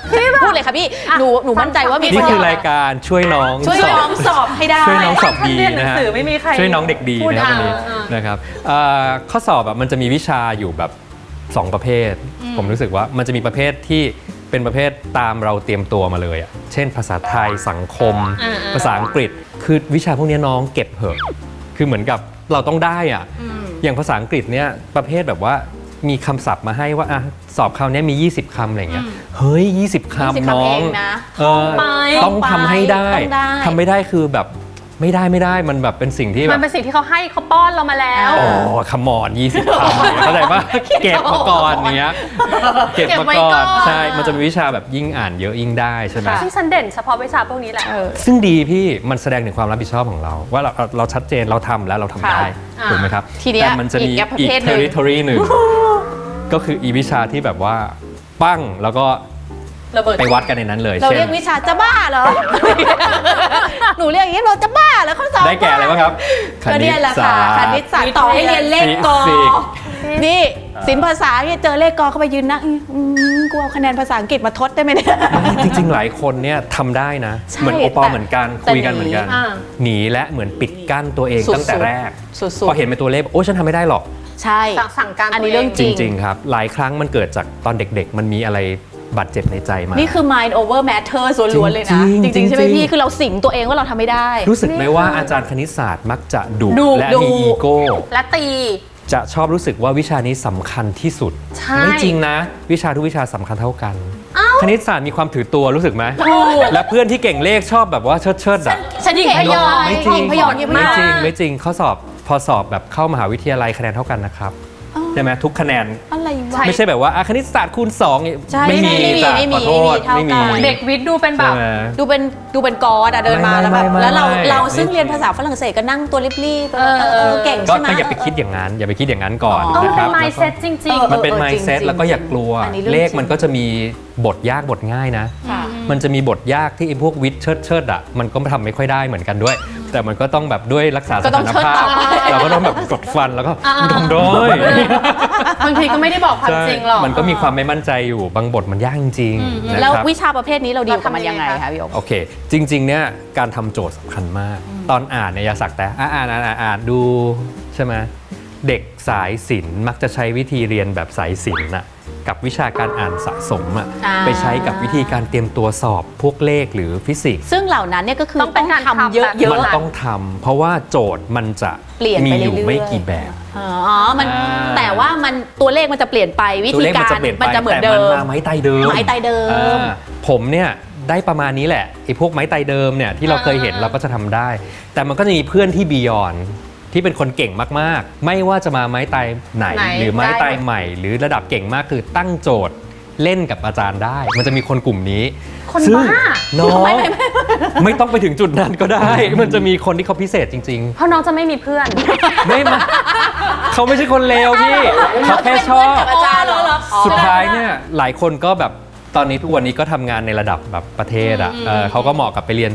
Speaker 1: พูดเลยค่ะพี่หนูหนูมั่นใจว่ามี
Speaker 2: นี่คือรายการช่วยน้อง
Speaker 1: ช่วย
Speaker 2: สอบ
Speaker 1: น้องสอบให้ได้
Speaker 2: ช่วยน้องสอบดี
Speaker 3: เรียนหนั
Speaker 2: นะ
Speaker 3: ง
Speaker 2: ฮะ
Speaker 3: สือไม่มีใคร
Speaker 2: ช่วยน้องเด็กดี
Speaker 3: พูด
Speaker 2: นะครับวันนี้
Speaker 3: อ่าอ่าน
Speaker 2: นะครับเอ่อข้อสอบแบบมันจะมีวิชาอยู่แบบสองประเภท ผมรู้สึกว่ามันจะมีประเภทที่เป็นประเภทตามเราเตรียมตัวมาเลยอ่ะเช่นภาษาไทยสังคม
Speaker 3: อ่าๆ
Speaker 2: ภาษาอังกฤษคือวิชาพวกนี้น้องเก็บเหอะคือเหมือนกับเราต้องได้อ่ะอย่างภาษาอังกฤษเนี่ยประเภทแบบว่ามีคำศัพท์มาให้ว่าอ่ะสอบคราวนี้มียี่สิบคำอะไรเงี้ยเฮ้ยยี่สิบ
Speaker 1: ยี่สิบ
Speaker 2: คำ
Speaker 1: คำ
Speaker 2: น้อง
Speaker 1: เองนะ
Speaker 2: เออ
Speaker 3: ไป
Speaker 2: ต้องทำให้ได้
Speaker 1: ต้องได้
Speaker 2: ทำไม่ได้คือแบบไม่ได้ไม่ได้มันแบบเป็นสิ่งที่แบ
Speaker 3: มัน
Speaker 2: บ
Speaker 3: เป็นสิ่งที่เขาให้เขาป้อนเรามาแล้ว
Speaker 2: โอ้ขมอนยี่สิบคำเนี่ยเข้าใจปะเก็บมาก่อนอย่างเงี้ยเก็บ
Speaker 3: เก็บ
Speaker 2: มา
Speaker 3: ไว้
Speaker 2: ก่อ
Speaker 3: ก่อน น
Speaker 2: ใช่มันจะมีวิชาแบบยิ่งอ่านเยอะยิ่งได้ใช่ไหม
Speaker 3: ซึ่งฉันเด่นเฉพาะวิชาพวกนี้แหละ
Speaker 1: เออ
Speaker 2: ซึ่งดีพี่มันแสดงถึงความรับผิดชอบของเรา ว่าเราเราเราชัดเจนเราทำแล้วเราทำได้
Speaker 3: ค่ะ
Speaker 2: ถูกไหมครับ
Speaker 1: ทีเนี้ย
Speaker 2: แต่มันจะมี
Speaker 1: อีกประ
Speaker 2: อีก
Speaker 1: เภทหนึ่ง
Speaker 2: territory หนึ่งก็คืออีวิชาที่แบบว่าปั้งแล้วก็
Speaker 3: ระเบิด
Speaker 2: ไปวัดกันในนั้นเลย
Speaker 1: เรา
Speaker 2: เช่น
Speaker 1: เรียกวิชาจะบ้าเหรอ หนูเรียกอย่างนี้เราจะบ้าเหรอเขาสอน
Speaker 2: ได้แก่อะไรบ้างครับ
Speaker 1: ก็เนี่ยแหละค่ะคณิตศาสตร์ต่อให้เรียนเลขกอ
Speaker 2: ฟิสิกส์
Speaker 1: นี่ศิลปภาษาเนี่ยเจอเลขกอเข้าไปยืนนั่งอืมกูเอาคะแนนภาษาอังกฤษมาทดได้ไหมเนี่ย
Speaker 2: จริงๆ หลายคนเนี่ยทำได้นะ
Speaker 1: ใช่
Speaker 2: เหมือนโอปอล
Speaker 1: แต่
Speaker 2: เหมือนกัน
Speaker 1: แต่
Speaker 2: คุยกันเหมือนกัน
Speaker 3: อ่า
Speaker 2: หนีและเหมือนปิดกั้นตัวเอง
Speaker 1: สุดๆ
Speaker 2: ตั้งแต่แรก
Speaker 1: สุดๆ
Speaker 2: พอเห็นเป็นตัวเลขโอ้ฉันทำไม่ได้หรอก
Speaker 1: ใช่
Speaker 3: สั่งสั่งการ
Speaker 1: อันนี้
Speaker 3: ตัวเอง
Speaker 1: เรื่อง
Speaker 2: จ
Speaker 1: จริง
Speaker 2: ริง ๆ ครับ หลายครั้งมันเกิดจากตอนเด็กๆ มันมีอะไรบาดเจ็บในใจมา
Speaker 1: นี่คือ mind over matter ส่วนล้วนเลยนะ
Speaker 2: จ
Speaker 1: จ
Speaker 2: ริงๆ
Speaker 1: ริงๆ ใช่ไหม
Speaker 2: จริงๆ
Speaker 1: พี่คือเราสิงตัวเองว่าเราทำไม่ได้
Speaker 2: รู้สึกไหมว่าอาจารย์คณิตศาสตร์มักจะดุ
Speaker 1: ดุ
Speaker 2: และ
Speaker 1: ดุ
Speaker 2: มีอีโก้
Speaker 3: และตี
Speaker 2: จะชอบรู้สึกว่าวิชานี้สำคัญที่สุด
Speaker 3: ใช่
Speaker 2: ไม่จริงนะ วิชาทุกวิชาสำคัญเท่ากัน คณิตศาสตร์มีความถือตัวรู้สึกไหม
Speaker 1: ถูก
Speaker 2: และเพื่อนที่เก่งเลขชอบแบบว่าเชิดเชิดๆอะ
Speaker 1: ฉันหญิงพยอง
Speaker 2: ไม่จริง
Speaker 1: หญิงพยองหญิงพย
Speaker 2: ไม่
Speaker 1: อง
Speaker 2: จริงไม่จริงข้อสอบพอสอบแบบเข้ามหาวิทยาลัยคะแนนเท่ากันนะครับใช่ไหมทุกคะแนน
Speaker 1: อะไรวะ
Speaker 2: ไม่ใช่แบบว่าอ่ะคณิตศาสตร์คูณสอง
Speaker 1: ใช่
Speaker 2: ไม่มี
Speaker 1: ไม่มี
Speaker 2: จ้ะ
Speaker 1: ไม่มี
Speaker 2: ขอโทษ
Speaker 1: ไม่
Speaker 2: ไม่
Speaker 1: มี
Speaker 2: มี
Speaker 1: เท่ากัน
Speaker 3: เด็กวิทย์ดูเป็นแบบ
Speaker 2: ใช่ไหม
Speaker 1: ดูเป็นดูเป็นกอดอะเดินมา
Speaker 2: ไม่
Speaker 1: แล้วแบบ
Speaker 2: ไม่
Speaker 1: แล้วเรา
Speaker 2: ไม่
Speaker 1: เราซึ่ง
Speaker 2: ไม่
Speaker 1: เรียนภาษาฝรั่งเศสก็นั่งตัวรีบๆ
Speaker 3: เออ
Speaker 1: เออเออเก่ง
Speaker 2: ก็
Speaker 1: ใช่ไหม
Speaker 2: ก็อย่าไปคิดอย่างนั้น อย่าไปคิดอย่างนั้นก่อน
Speaker 1: อ๋อ
Speaker 3: เออ
Speaker 2: นะค
Speaker 3: เป็
Speaker 2: รั
Speaker 3: น
Speaker 2: บ
Speaker 3: mindset จริง
Speaker 1: เออ
Speaker 2: มันเป็น
Speaker 1: เออ
Speaker 2: mindset
Speaker 1: จริงๆ
Speaker 2: แล้วก็อย่ากลัว
Speaker 1: อันนี้เรื่อง
Speaker 2: เลข
Speaker 1: จริง
Speaker 2: มันก็จะมีบทยากบทง่ายนะ
Speaker 1: ค่ะ
Speaker 2: มันจะมีบทยากที่ไอ้พวกวิทย์เชิดเชิดๆอ่ะมันก็ทำไม่ค่อยได้เหมือนกันด้วย แต่มันก็ต้องแบบด้วยรักษาส
Speaker 1: ก็ต้อ
Speaker 2: ถาง น
Speaker 1: เชิด
Speaker 2: ภาพ
Speaker 1: ต่อ
Speaker 2: เราก็ต้องแบบกดฟันแล้วก็
Speaker 3: อ่าๆ
Speaker 2: ทำด้วย
Speaker 3: ๆบางทีก็ไม่ได้บอกความจริงหรอก
Speaker 2: มันก็มีความไม่มั่นใจอยู่บางบทมันยากจริงๆนะ
Speaker 1: แล้ว
Speaker 2: ครับ
Speaker 1: วิชาประเภทนี้เราดีลกับมันยังไง
Speaker 3: เราทำยังไง
Speaker 1: คะพี่โอ๊ค
Speaker 2: โอเค จริงๆ เนี่ยการทำโจทย์สำคัญมาก ตอนอ่านเนี่ยอย่าสักแต่อ่านอ่านอ่านอ่านอ่านดูใช่ไหมเด็กสายศิลป์มักจะใช้วิธีเรียนแบบสายศิลป์น่ะกับวิชาการอ่านสะสมอะ
Speaker 1: อ่า
Speaker 2: ไปใช้กับวิธีการเตรียมตัวสอบพวกเลขหรือฟิสิกส์
Speaker 1: ซึ่งเหล่านั้นเนี่ยก็คือ
Speaker 3: ต้องเป็นการ
Speaker 1: ทำ
Speaker 3: ทำ
Speaker 1: เย
Speaker 3: แบบ
Speaker 1: อะ
Speaker 2: มัน
Speaker 1: ๆ
Speaker 2: ต้องทำเพราะว่าโจทย์มันจะ
Speaker 1: เปลี่ยน
Speaker 2: มี
Speaker 1: ไป
Speaker 2: อยู่
Speaker 1: เรื่อยๆ
Speaker 2: ไม่กี่แบบ
Speaker 1: อ๋อมัน
Speaker 2: อ่า
Speaker 1: แต่ว่ามันตัวเลขมันจะเปลี่ยนไปวิ
Speaker 2: ตัว
Speaker 1: ธี
Speaker 2: เลข
Speaker 1: กา
Speaker 2: มัน
Speaker 1: ร
Speaker 2: จะเปลี่ยนไป
Speaker 1: มันจะเหมือน
Speaker 2: แต่
Speaker 1: เดิ
Speaker 2: มัน
Speaker 1: ม
Speaker 2: มาไม้ตายเดิม
Speaker 1: ไม้ตายเดิม
Speaker 2: อ่าผมเนี่ยได้ประมาณนี้แหละไอ้พวกไม้ตายเดิมเนี่ยที่เราเคยเห็น
Speaker 3: อ่า
Speaker 2: เราก็จะทำได้ แต่มันก็จะมีเพื่อนที่บียอนที่เป็นคนเก่งมากๆ ไม่ว่าจะมาไม้ตายไหน
Speaker 3: ไหน
Speaker 2: หรือไม้
Speaker 3: ได้
Speaker 2: ตายใหม่ หรือระดับเก่งมากคือตั้งโจทย์เล่นกับอาจารย์ได้ มันจะมีคนกลุ่มนี้
Speaker 3: คน
Speaker 2: ซึ่ง
Speaker 3: บ้า
Speaker 2: น้องไม่ต้องไปถึงจุดนั้นก็ได้ มันจะมีคนที่เขาพิเศษจริง
Speaker 3: เพราะน้องจะไม่มีเพื่อน
Speaker 2: ๆ ไม่มาเขาไม่ใช่คนเลวพี่เขาแค่ชอบ
Speaker 1: กับอาจารย์เหรอ
Speaker 2: สุดท้ายเนี่ยหลายคนก็แบบตอนนี้ทุกวันนี้ก็ทำงานในระดับแบบประเทศอ่ะเออเขาก็เหมาะกับไปเรียน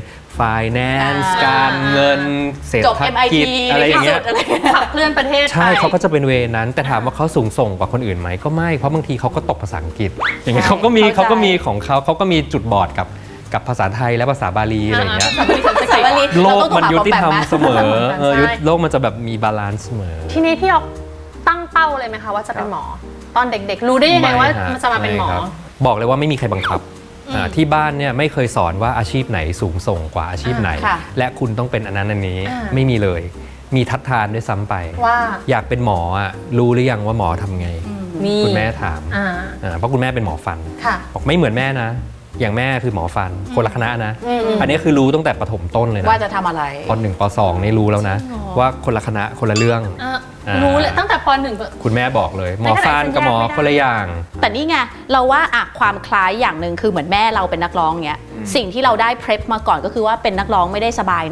Speaker 2: finance
Speaker 1: อ่า
Speaker 2: การเงินเศรษ
Speaker 1: จบ
Speaker 2: ฐ
Speaker 1: เอ็ม ไอ
Speaker 2: กิ
Speaker 1: ที
Speaker 2: จอะไรอย่างเงี้ย
Speaker 1: อะไร
Speaker 3: ขับเคลื่อนประเทศ
Speaker 2: ใช่
Speaker 3: ไป
Speaker 2: เขาก็จะเป็นเวนั้น แต่ถามว่าเขาสูงส่งกว่าคนอื่นไหมก็ไม่เพราะบางทีเขาก็ตกภาษาอังกฤษ อย่างเงี้ย
Speaker 1: ใช่
Speaker 2: เขาก็มี
Speaker 1: เข้าใจ
Speaker 2: เขาก็มีของเขาเขาก็มีจุดบอดกับกับภาษาไทยและภาษาบาลีอะไรอย่างเงี้ย
Speaker 3: ภาษาบาลีสันส
Speaker 1: ภาษาก
Speaker 3: ฤต
Speaker 1: บาลี
Speaker 2: โล
Speaker 1: เรา
Speaker 2: ก
Speaker 1: ต้อง
Speaker 2: มันยุติธรรมเสมอเออ
Speaker 3: ใช่
Speaker 2: ยุติโลกมันจะแบบมีบาลานซ์เสมอ
Speaker 3: ทีนี้พี่ออกตั้งเป้าเลยไหมคะว่าจะเป็นหมอ ตอนเด็กๆ รู้ได้ยังไงว่า
Speaker 2: ฮ
Speaker 3: มันจะมาเป็นหมอ
Speaker 2: ไครับบอกเลยว่าไม่มีใครบังคับอ่าที่บ้านเนี่ยไม่เคยสอนว่าอาชีพไหนสูงส่งกว่าอาชีพไหน
Speaker 1: ค่ะ
Speaker 2: และคุณต้องเป็นอันนั้นอันนี้
Speaker 3: อ่า
Speaker 2: ไม่มีเลย มีทัดทานด้วยซ้ำไป
Speaker 3: ว่า
Speaker 2: อยากเป็นหมออ่ะรู้หรือยังว่าหมอทำไง
Speaker 3: นี่
Speaker 2: คุณแม่ถาม
Speaker 3: อ่า
Speaker 2: อ่าเพราะคุณแม่เป็นหมอฟัน
Speaker 3: ค่ะ
Speaker 2: บอกไม่เหมือนแม่นะ อย่างแม่คือหมอฟันคนละคณะนะ
Speaker 3: อืม
Speaker 2: อันนี้คือรู้ตั้งแต่ประถมต้นเลยนะ
Speaker 1: ว่าจะทำอะไร
Speaker 2: ปหนึ่งปสองนี่รู้แล้วนะ ว่าคนละคณะคนละเรื่อง
Speaker 3: อ่ะ
Speaker 2: อ่ารู้
Speaker 3: รู้เลยตั้งแต่ปหนึ่ง
Speaker 2: คุณแม่บอกเลย หมอ
Speaker 3: ในขณะ
Speaker 2: ฟันกับหมอ
Speaker 3: ฉันแยกไม่ได้
Speaker 2: คนละอย่าง
Speaker 1: แต่นี่ไงเราว่าอะความคล้ายอย่างหนึ่งคือเหมือนแม่เราเป็นนักร้องเงี้ยสิ่งที่เราได้เพรพมาก่อนก็คือว่าเป็นนักร้องไม่ได้สบายนะ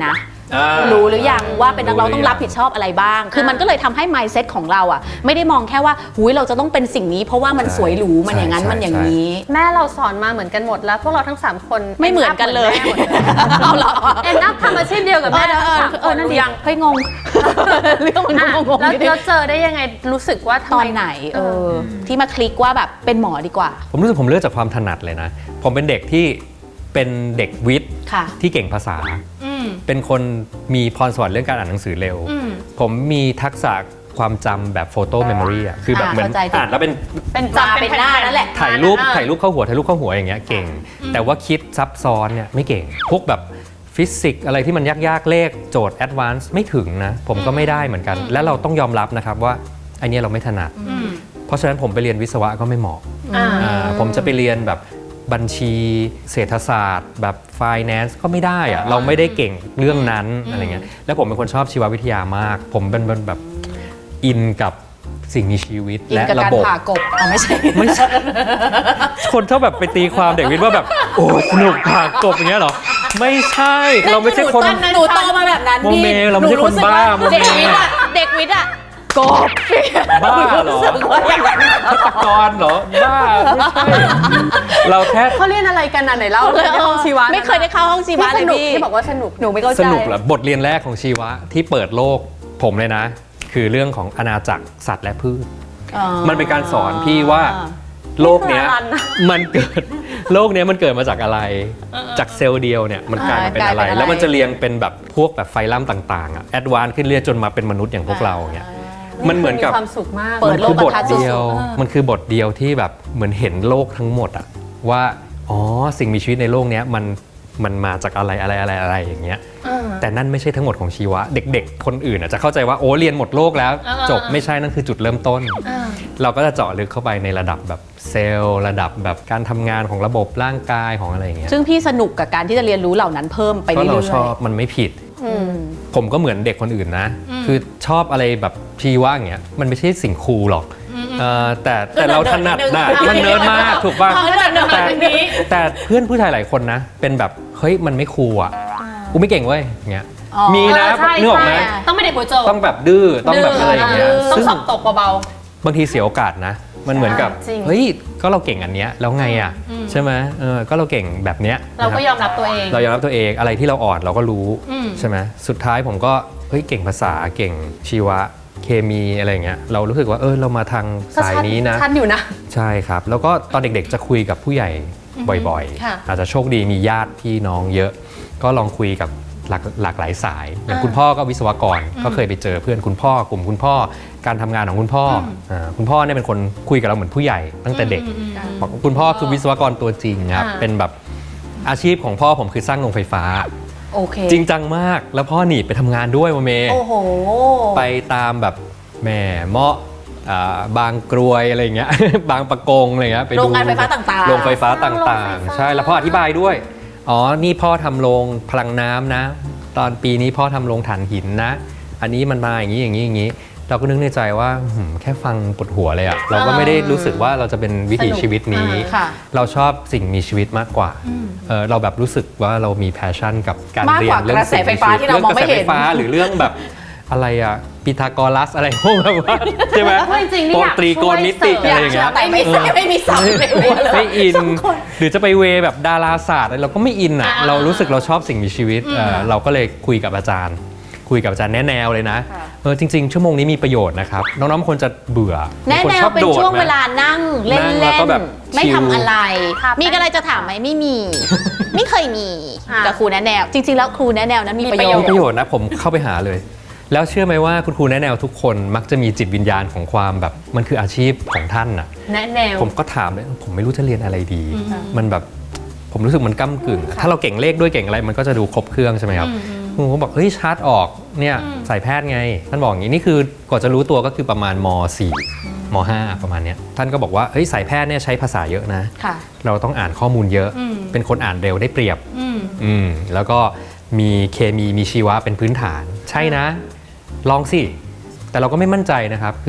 Speaker 2: อ่า
Speaker 1: รู้หรือยังว่าเป็นนักร้อง
Speaker 2: รู้หรือ
Speaker 1: ต้องรับผิดชอบอะไรบ้าง คือมันก็เลยทำให้ mindset ของเราอ่ะไม่ได้มองแค่ว่าหุยเราจะต้องเป็นสิ่งนี้ เพราะว่ามัน
Speaker 2: ใช่
Speaker 1: สวยหรูมันอย่างนั้น
Speaker 2: ใช่
Speaker 1: มันอย่าง
Speaker 2: ใช่
Speaker 1: นี้
Speaker 3: แม่เราสอนมาเหมือนกันหมดแล้วพวกเราทั้งสามคน
Speaker 1: ไม่เหมือนกันเลย
Speaker 3: หมือนแม่หมดเลย
Speaker 1: เอาเหรอ
Speaker 3: เอ็นอัพทำอาชีพเดียวกับ
Speaker 1: เอ
Speaker 3: แม่
Speaker 1: อ
Speaker 3: ทั้ง
Speaker 1: เออ
Speaker 3: สาม
Speaker 1: เอ
Speaker 3: ค
Speaker 1: อน นั่น
Speaker 3: รู้
Speaker 1: ดิ
Speaker 3: ยัง
Speaker 1: เฮ้ยงง เรื่องมัน
Speaker 3: อ่ะ
Speaker 1: งงๆ
Speaker 3: แล้ว
Speaker 1: นิดนึง
Speaker 3: เราเจอได้ยังไงรู้สึกว่าทำ
Speaker 1: ตอ
Speaker 3: ไม
Speaker 1: นไหนเออที่มาคลิกว่าแบบเป็นหมอดีกว่า
Speaker 2: ผมรู้สึกผมเลือกจากความถนัดเลยนะ ผมเป็นเด็กที่เป็นเด็กวิทย์
Speaker 1: ค่ะ
Speaker 2: ที่เก่งภาษา
Speaker 3: อืม
Speaker 2: เป็นคนมีพรสวรรค์เรื่องการอ่านหนังสือเร็ว
Speaker 3: อืม
Speaker 2: ผมมีทักษะความจำแบบโฟโต้เมมโมรีอ่ะคือแบบ
Speaker 1: อ่า
Speaker 2: เหมือน
Speaker 1: เข้าใจ
Speaker 2: อ่านแล้วเป็น
Speaker 3: เป็น
Speaker 1: มา
Speaker 3: จำ
Speaker 1: เป็นหน้านั่นแหละ
Speaker 2: ถ่ายรูป
Speaker 3: อ่
Speaker 2: ถ่ายรูปเข้าหัวถ่ายรูปเข้าหัวอย่างเงี้ยเก่ง แต่ว่าคิดซับซ้อนเนี่ยไม่เก่ง พวกแบบฟิสิกส์อะไรที่มันยากๆเลขโจทย์แอดวานซ์ไม่ถึงนะ ผมก็ไม่ได้เหมือนกัน และเราต้องยอมรับนะครับว่าไอเนี้ยเราไม่ถนัด
Speaker 3: อืม
Speaker 2: เพราะฉะนั้นผมไปเรียนวิศวะก็ไม่เหมาะ
Speaker 3: อ่า
Speaker 2: อ่าผมจะไปเรียนแบบบัญชีเศรษฐศาสตร์ แบบ finance ก็ไม่ได้อะเราไม่ได้เก่งเรื่องนั้นอะไรเงี้ยแล้วผมเป็นคนชอบชีววิทยามาก ผมเป็นแบบอินกับสิ่งมีชีวิต
Speaker 1: อิน
Speaker 2: และ
Speaker 1: กับ
Speaker 2: ระ
Speaker 1: การ
Speaker 2: บบ
Speaker 1: ผ่ากบอ๋อไม่ใช่
Speaker 2: ไม่ใช่ คนชอบแบบไปตีความเด็กวิทย์ว่าแบบ โอ้สนุกผ่ากบอย่างเงี้ยเหรอ ไม่ใช่เราไม่ใช่คน
Speaker 1: หนูโตมาแบบนั้น
Speaker 2: โม
Speaker 1: พี่
Speaker 2: เมเราไม่ใช่คนบ้า
Speaker 1: หนูรู้สึกว่า
Speaker 2: โมเม
Speaker 1: เด็กวิทย์อะเด็กวิทย์อะกบ
Speaker 2: บ้าเหรอ
Speaker 1: สึกว่าอย่างนั้น
Speaker 2: ฆาตกรเหรอบ้าไม่ใช่เราแค่
Speaker 3: เขาเรียนอะไรกันอ่ะไหนเล่าเลยในห้องชีวะ
Speaker 1: ไม่เคยได้เข้าห้องชีวะ
Speaker 3: ที่
Speaker 1: เล
Speaker 3: ส
Speaker 1: ย
Speaker 3: นุก
Speaker 1: พี่
Speaker 3: ที่บอกว่าสนุก
Speaker 1: หนูไม่เข้าใจ
Speaker 2: สนุกเหรอบทเรียนแรกของชีวะที่เปิดโลกผมเลยนะ คือเรื่องของอาณาจักรสัตว์และพืช
Speaker 1: อ๋อ
Speaker 2: มันเป็นการสอนพี่ว่าโลกเนี้ย
Speaker 3: นี่คืออลันนะ
Speaker 2: มันเกิด โลกเนี้ยมันเกิดมาจากอะไร จากเซลล์เดียวเนี่ยมันกลายมาเป็นอะไร
Speaker 1: กลายเป็นอะไร
Speaker 2: แล้วมันจะเรียงเป็นแบบพวกแบบไฟลัมต่างๆอะแอดวานซ์ขึ้นเรื่อยจนมาเป็นมนุษย์อย่างพวกเราเงี้ยมันเหมือนกับ
Speaker 3: ความสุขมาก
Speaker 1: เปิด
Speaker 2: มัน
Speaker 1: โล
Speaker 2: คื
Speaker 1: ก
Speaker 2: อบท
Speaker 1: ทัศน์
Speaker 2: เดียว
Speaker 1: สุดๆ
Speaker 2: มันคือบทเดียวที่แบบเหมือนเห็นโลกทั้งหมดอะว่าอ๋อสิ่งมีชีวิตในโลกเนี้ยมันมันมาจากอะไรอะไรอะไรอะไรอย่างเงี้ย แต่นั่นไม่ใช่ทั้งหมดของชีวะเด็กๆ คนอื่นอาจจะเข้าใจว่าโอ้เรียนหมดโลกแล้ว
Speaker 3: อ่า
Speaker 2: จบไม่ใช่นั่นคือจุดเริ่มต้น เราก็จะเจาะลึกเข้าไปในระดับแบบเซลล์ระดับแบบการทำงานของระบบร่างกายของอะไรอย่างเงี้ย
Speaker 1: ซึ่งพี่สนุกกับการที่จะเรียนรู้เหล่านั้นเพิ่มไป
Speaker 2: ก็
Speaker 1: เรื่
Speaker 2: เรา
Speaker 1: อย
Speaker 2: ชอบมันไม่ผิด
Speaker 1: ๆอืม
Speaker 2: ผมก็เหมือนเด็กคนอื่นนะ คือชอบอะไรแบบชีวะอย่างเงี้ยมันไม่ใช่สิ่งคูลหรอกเอ่อแต่แต่เราถนัดนะ
Speaker 1: ก็
Speaker 2: มัน
Speaker 1: เนิ
Speaker 2: เนิ
Speaker 1: ร์
Speaker 2: ร์
Speaker 1: ด
Speaker 2: ด
Speaker 1: ๆ
Speaker 2: มากถูกป่ะ
Speaker 1: เขาก็จะเนิร์ดๆ
Speaker 2: แต่
Speaker 1: แบบนี้
Speaker 2: แต่เพื่อนผู้ชายหลายคนนะ เป็นแบบเฮ้ยมันไม่คูลอ่ะกูไม่เก่งเว้ยอย่างเงี้ย
Speaker 1: อ๋อ
Speaker 2: มีนะ
Speaker 3: เออใช่
Speaker 2: นึกออกไหม
Speaker 3: ใช่ต้องไม่เด็กหัวโจก
Speaker 2: ต้องแบบดื้อต้องแบบอะไรอย่างเงี้ย
Speaker 3: ต้อง
Speaker 2: ซึ่ง
Speaker 3: สอบตกเบา
Speaker 2: บางทีเสียโอกาสนะ มันเหมือนกับ
Speaker 3: จริง
Speaker 2: เฮ้ยก็เราเก่งอันเนี้ยแล้วไงอ่ะใช่ไหมเออก็เราเก่งแบบเนี้ย
Speaker 3: ๆ เราก็
Speaker 2: นะ
Speaker 3: ย
Speaker 2: ครับ
Speaker 3: อมรับตัวเอง
Speaker 2: เรายอมรับตัวเองอะไรที่เราอ่อนเราก็รู้
Speaker 3: อืม
Speaker 2: ใช่ไหมสุดท้ายผมก็เฮ้ยเก่งภาษาเก่งชีวะเคมีอะไรอย่างเงี้ยเรารู้สึกว่าเออเรามาทางสายนี้นะ
Speaker 3: ชัดอยู่นะ
Speaker 2: ใช่ครับ แล้วก็ตอนเด็กๆจะคุยกับผู้ใหญ่บ่อย
Speaker 3: ค่ะ
Speaker 2: ๆ อาจจะโชคดีมีญาติพี่น้องเยอะ ก็ลองคุยกับหลากหลากหลายสาย อย่าง
Speaker 3: อ่า
Speaker 2: คุณพ่อก็วิศวกรก็เคยไปเจอเพื่อนคุณพ่อกลุ่มคุณพ่อการทำงานของคุณพ่ออ่าคุณพ่อเนี่ยเป็นคนคุยกับเราเหมือนผู้ใหญ่ตั้งแต่เด็ก
Speaker 3: อืมอืมอืม
Speaker 2: บอกว่าคุณพ่อคือวิศวกรตัวจริงครับ
Speaker 3: อ่า
Speaker 2: เป็นแบบอาชีพของพ่อผมคือสร้างโรงไฟฟ้า
Speaker 1: โอเค
Speaker 2: จริงจังมากแล้วพ่อหนีไปทำงานด้วยโมเม
Speaker 1: โอ้โห
Speaker 2: ไปตามแบบแหม่เมาะอ่าบางกรวยอะไรอย่างเงี้ย บางประกงอะไรเงี้ยไปดู
Speaker 1: โรงงานไฟฟ้าต่างๆ
Speaker 2: โรงไฟฟ้า
Speaker 3: สร้างโรง
Speaker 2: ต่าง
Speaker 3: ไฟฟ้า
Speaker 2: ๆ ใช่แล้วพ่ออธิบายด้วยอ๋อนี่พ่อทำโรงพลังน้ำนะ ตอนปีนี้พ่อทำโรงถ่านหินนะ อันนี้มันมาอย่างนี้อย่างนี้อย่างนี้ เราก็นึกในใจว่าหืมแค่ฟังปวดหัวเลยอะเราก็ไม่ได้รู้สึกว่าเราจะเป็นวิถีชีวิตนี้
Speaker 1: ค่ะ
Speaker 2: เราชอบสิ่งมีชีวิตมากกว่าเออเราแบบรู้สึกว่าเรามีแพชชั่นกับการ
Speaker 1: มาก
Speaker 2: เรี
Speaker 1: ก
Speaker 2: ย
Speaker 1: ว่าน
Speaker 2: เรื่อง
Speaker 1: กระแส
Speaker 2: สิ่ง
Speaker 1: ไฟ
Speaker 2: มี
Speaker 1: ฟ้า
Speaker 2: ชีวิต
Speaker 1: ที่เรามองไม่เห็น
Speaker 2: กระแสไฟฟ้าหรือเรื่องแบบอะไรอะพีทาโกรัสอะไรพวกแบบว่าใช่ไหม
Speaker 3: เพราะจริงๆนี่อยาก
Speaker 2: ตรีโกณมิติ
Speaker 3: ช่วยเสริม
Speaker 2: อะไรอย่างเงี้ย
Speaker 1: แต่ไม่ใช่ไม่มีเสาในหัวเลย
Speaker 2: ไม่อิน
Speaker 1: สองคน
Speaker 2: หรือจะไปเวแบบดาราศาสตร์อะไรเราก็ไม่อินอ่ะ
Speaker 3: อ่า
Speaker 2: เรารู้สึกเราชอบสิ่งมีชีวิตเอ่อเราก็เลยคุยกับอาจารย์ คุยกับอาจารย์แนะแนวเลยนะเออจริง ๆ ชั่วโมงนี้มีประโยชน์นะครับน้องๆบางคนจะเบื่อ
Speaker 1: แน่
Speaker 2: บางคน
Speaker 1: แน
Speaker 2: ช
Speaker 1: ว
Speaker 2: อบ
Speaker 1: เป็น
Speaker 2: โดด
Speaker 1: ช่วง
Speaker 2: นะ
Speaker 1: เวลานั่งเล่
Speaker 2: นั่
Speaker 1: น
Speaker 2: งแล้ว
Speaker 1: เล่
Speaker 2: ก็
Speaker 1: น
Speaker 2: แบบ
Speaker 1: ไม่
Speaker 2: ชิล
Speaker 1: ทำอะไร
Speaker 3: ครับ
Speaker 1: มีอะไรจะถามไหมไม่มี ไม่เคยมี
Speaker 3: อ่ะ
Speaker 1: กับครูแนะแนว จริง ๆ แล้วครูแนะแนวนั้นมีประโยช
Speaker 2: มี
Speaker 1: น์
Speaker 2: ประโยชน์นะผมเข้าไปหาเลย แล้วเชื่อไหมว่าคุณครูแนะแนวทุกคนมักจะมีจิตวิญญาณของความแบบมันคืออาชีพของท่านน่ะ
Speaker 3: แนะแนว
Speaker 2: ผมก็ถามเลยผมไม่รู้จะเรียนอะไรดี มันแบบผมรู้สึกมันก้ากึ่งอะถ้าเราเก่งเลขด้วยเก่งอะไรมันก็จะดูครบเครื่องใช่ไหมครับผมก็บอกเฮ้ยชาร์จออกเนี่ยสายแพทย์ไง ท่านบอกอย่างนี้นี่คือกว่าจะรู้ตัวก็คือประมาณม สี่ ม ห้า ประมาณเนี้ยท่านก็บอกว่าเฮ้ยสายแพทย์เนี่ยใช้ภาษาเยอะนะ
Speaker 1: ค่ะ
Speaker 2: เราต้องอ่านข้อมูลเยอะ เป็นคนอ่านเร็วได้เปรียบ
Speaker 3: อืม
Speaker 2: อืมแล้วก็มีเคมีมีชีวะเป็นพื้นฐาน ใช่นะ ลองสิ แต่เราก็ไม่มั่นใจนะครับ คือ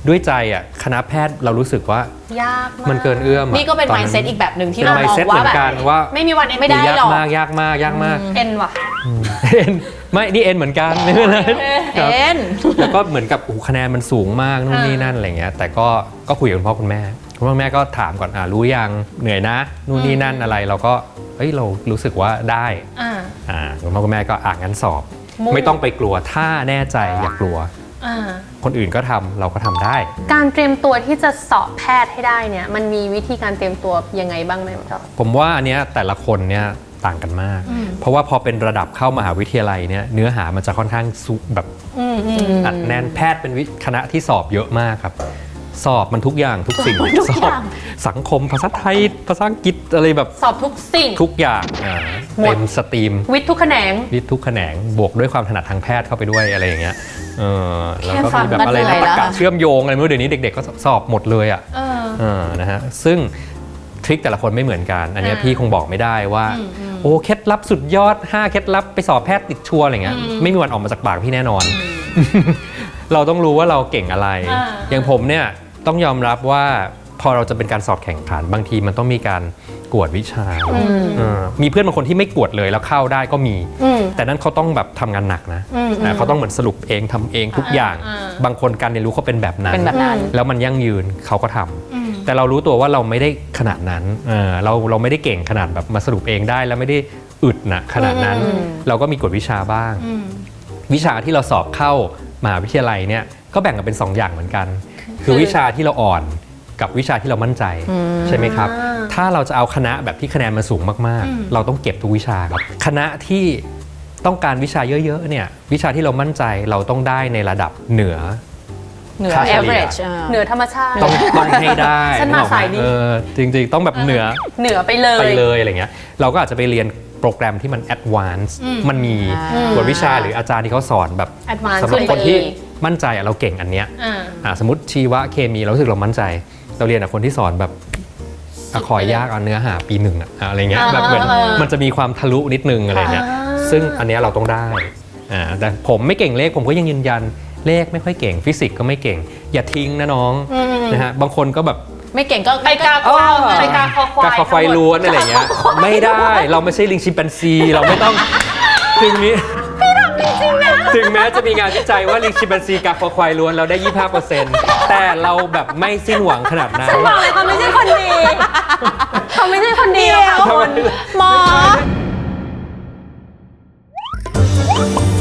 Speaker 2: ด้วยใจอ่ะคณะแพทย์เรารู้สึกว่าย
Speaker 3: ากมาก
Speaker 2: มันเกินเอื้อมอะ
Speaker 1: นี่ก็เป็น
Speaker 2: ตอ
Speaker 1: mindset อีกแบบหนึ่งที่
Speaker 2: เป็น
Speaker 1: เรามอง
Speaker 2: mindset
Speaker 1: ว่า
Speaker 2: เหมื
Speaker 1: แบ
Speaker 2: อบ นกันว่า
Speaker 3: ไม่มีวันเอ็น
Speaker 1: ไม่ได้
Speaker 2: ยาก
Speaker 1: หรอก
Speaker 2: มากยากมากยากมาก
Speaker 3: เอ็นว่ะ
Speaker 2: เอ็นไม่นี่เอ็นเหมือนกันไม่เป็นไรครับ
Speaker 1: เอ็น
Speaker 2: แล้วก็เหมือนกับโอ้โหคะแนนมันสูงมากนู่นนี่นั่นอะไรเงี้ยแต่ก็ก็คุยกับคุณพ่อคุณแม่คุณพ่อคุณแม่ก็ถามก่อนอ่ารู้ยังเหนื่อยนะนู่นนี่นั่นอะไรเราก็เฮ้ยเรารู้สึกว่าได้
Speaker 3: อ่า
Speaker 2: อ่าคุณพ่อคุณแม่ก็อ่างั้นสอบ
Speaker 3: มุ่ง
Speaker 2: ไม่ต้องไปกลัวถ้าแน่ใจอย่ากลัว
Speaker 3: อ่า
Speaker 2: คนอื่นก็ทำเราก็ทำได้
Speaker 3: การเตรียมตัวที่จะสอบแพทย์ให้ได้เนี่ยมันมีวิธีการเตรียมตัวยังไงบ้างไหมหมอจ๊อบ
Speaker 2: ผมว่าอันเนี้ยแต่ละคนเนี่ยต่างกันมาก เพราะว่าพอเป็นระดับเข้ามหาวิทยาลัยเนี่ยเนื้อหามันจะค่อนข้างสุแบบ
Speaker 3: อืมอืม
Speaker 2: อัดแน่นแพทย์เป็นวิคณะที่สอบเยอะมากครับ สอบมันทุกอย่างทุกสิ่ง
Speaker 1: ทุก
Speaker 2: สอ
Speaker 1: อบ ย่าง
Speaker 2: สังคมภาษาไทยภาษาอังกฤษอะไรแบบ
Speaker 3: สอบทุกสิ่ง
Speaker 2: ทุกอย่างอ่า
Speaker 3: หมด
Speaker 2: เต็มสตรีม
Speaker 3: วิทย์ทุกแขนง
Speaker 2: วิทย์ทุกแขนงบวกด้วยความถนัดทางแพทย์เข้าไปด้วยอะไรอย่างเงี้ยเออแล้วก็
Speaker 1: แค่ฟัง
Speaker 2: มีแบบ
Speaker 1: ก็
Speaker 2: อะไร
Speaker 1: เหนื่
Speaker 2: นะ
Speaker 1: อย
Speaker 2: ประ
Speaker 1: แล้ว
Speaker 2: กาศ
Speaker 1: อะ
Speaker 2: เชื่อมโยงอะไรไม่รู้เดี๋ยวนี้เด็กๆก็สอบหมดเลยอ่ะ
Speaker 3: เออ
Speaker 2: เออนะฮะซึ่งทริคแต่ละคนไม่เหมือนกัน อันเนี้ย
Speaker 3: อ่า
Speaker 2: พี่คงบอกไม่ได้ว่า
Speaker 3: อืมอืม
Speaker 2: โอ้เคล็ดลับสุดยอดห้าเคล็ดลับไปสอบแพทย์ติดชัวร์อะไรเงี้ยไม่มีวันออกมาจากปากพี่แน่นอน เราต้องรู้ว่าเราเก่งอะไร
Speaker 3: อ่า
Speaker 2: อย่างผมเนี่ยต้องยอมรับว่าพอเราจะเป็นการสอบแข่งขันบางทีมันต้องมีการกวดวิชาเออมีเพื่อนบางคนที่ไม่กวดเลยแล้วเข้าได้ก็มี
Speaker 3: อืม
Speaker 2: แต่นั้นเขาต้องแบบทำงานหนักนะ
Speaker 3: อืม
Speaker 2: นะเขาต้องเหมือนสรุปเองทำเองทุกอย่าง
Speaker 3: อ่าอ่า
Speaker 2: บางคนการเรียนรู้เขาเป็นแบบนั้น
Speaker 1: เป็นแบบนั้น
Speaker 2: แล้วมันยั่งยืนเขาก็ทำแต่เรารู้ตัวว่าเราไม่ได้ขนาดนั้นเออเราเราไม่ได้เก่งขนาดแบบมาสรุปเองได้แล้วไม่ได้อึดนะขนาดนั้น เราก็มีกวดวิชาบ้าง
Speaker 3: อืม
Speaker 2: วิชาที่เราสอบเข้ามหาวิทยาลัยเนี่ยก็แบ่งกันเป็นสองอย่างเหมือนกัน คือวิชาที่เราอ่อนกับวิชาที่เรามั่นใจใช่ไหมครับ
Speaker 3: อ่า
Speaker 2: ถ้าเราจะเอาคณะแบบที่คะแนนมันสูงมากๆ เราต้องเก็บทุกวิชาครับคณะที่ต้องการวิชาเยอะๆเนี่ยวิชาที่เรามั่นใจเราต้องได้ในระดับเหนือ
Speaker 1: เหนือ
Speaker 2: ค่าเฉลี่ย
Speaker 1: average อ่า
Speaker 3: เหนือธรรมชาติ
Speaker 2: ต้องต้องให้ได้
Speaker 3: ฉันมา
Speaker 2: นึกออกไห
Speaker 3: สายนี้
Speaker 2: เออจริงๆ ต้องแบบเหนือ
Speaker 3: เหนือไปเลย
Speaker 2: ไปเลยอะไรเงี้ยเราก็อาจจะไปเรียนโปรแกรมที่มันแอดวานซ์มันมี
Speaker 1: อืม
Speaker 2: บทวิชาหรืออาจารย์ที่เขาสอนแบบ
Speaker 3: Advance
Speaker 2: สำหรับ
Speaker 3: ขึ้น
Speaker 2: ค
Speaker 3: ไป
Speaker 2: นที่
Speaker 3: อีก
Speaker 2: มั่นใจอะเราเก่งอันเนี้ย
Speaker 3: อ่า
Speaker 2: อ่าสมมติชีวะเคมีเรารู้สึกเรามั่นใจ เราเรียนกับคนที่สอนแบบอะขอยากเอาเนื้อหาปีหนึ่งอะอะไรเงี้ย
Speaker 3: อ่า
Speaker 2: แบบเหมือน
Speaker 3: อ่า
Speaker 2: มันจะมีความทะลุนิดนึงอะไรเงี้ย
Speaker 3: อ่า
Speaker 2: ซึ่งอันเนี้ยเราต้องได้อ่าแต่ผมไม่เก่งเลขผมก็ยังยืนยันเลขไม่ค่อยเก่งฟิสิกส์ก็ไม่เก่ง อย่าทิ้งนะน้องนะฮะบางคนก็แบบ
Speaker 1: ไม่เก่งก็
Speaker 3: ไปกาควายไปกาคอควาย
Speaker 2: กาคอควายล้วนอะไรอย่างเงี้ยไม่ได้เราไม่ใช่ลิงชิมแปนซีเราไม่ต้องถึงนี้ถึงแม้จะมีงานวิจัยว่าลิงชิมแปนซีกาคอควายล้วนเราได้ ยี่สิบห้าเปอร์เซ็นต์ แต่เราแบบไม่สิ้นหวังขนาดนั้น
Speaker 3: บอกเลยเขาไม่ใช่คนดีเขาไม่ใช่คนดีหรอกค่ะคุณ
Speaker 1: หมอ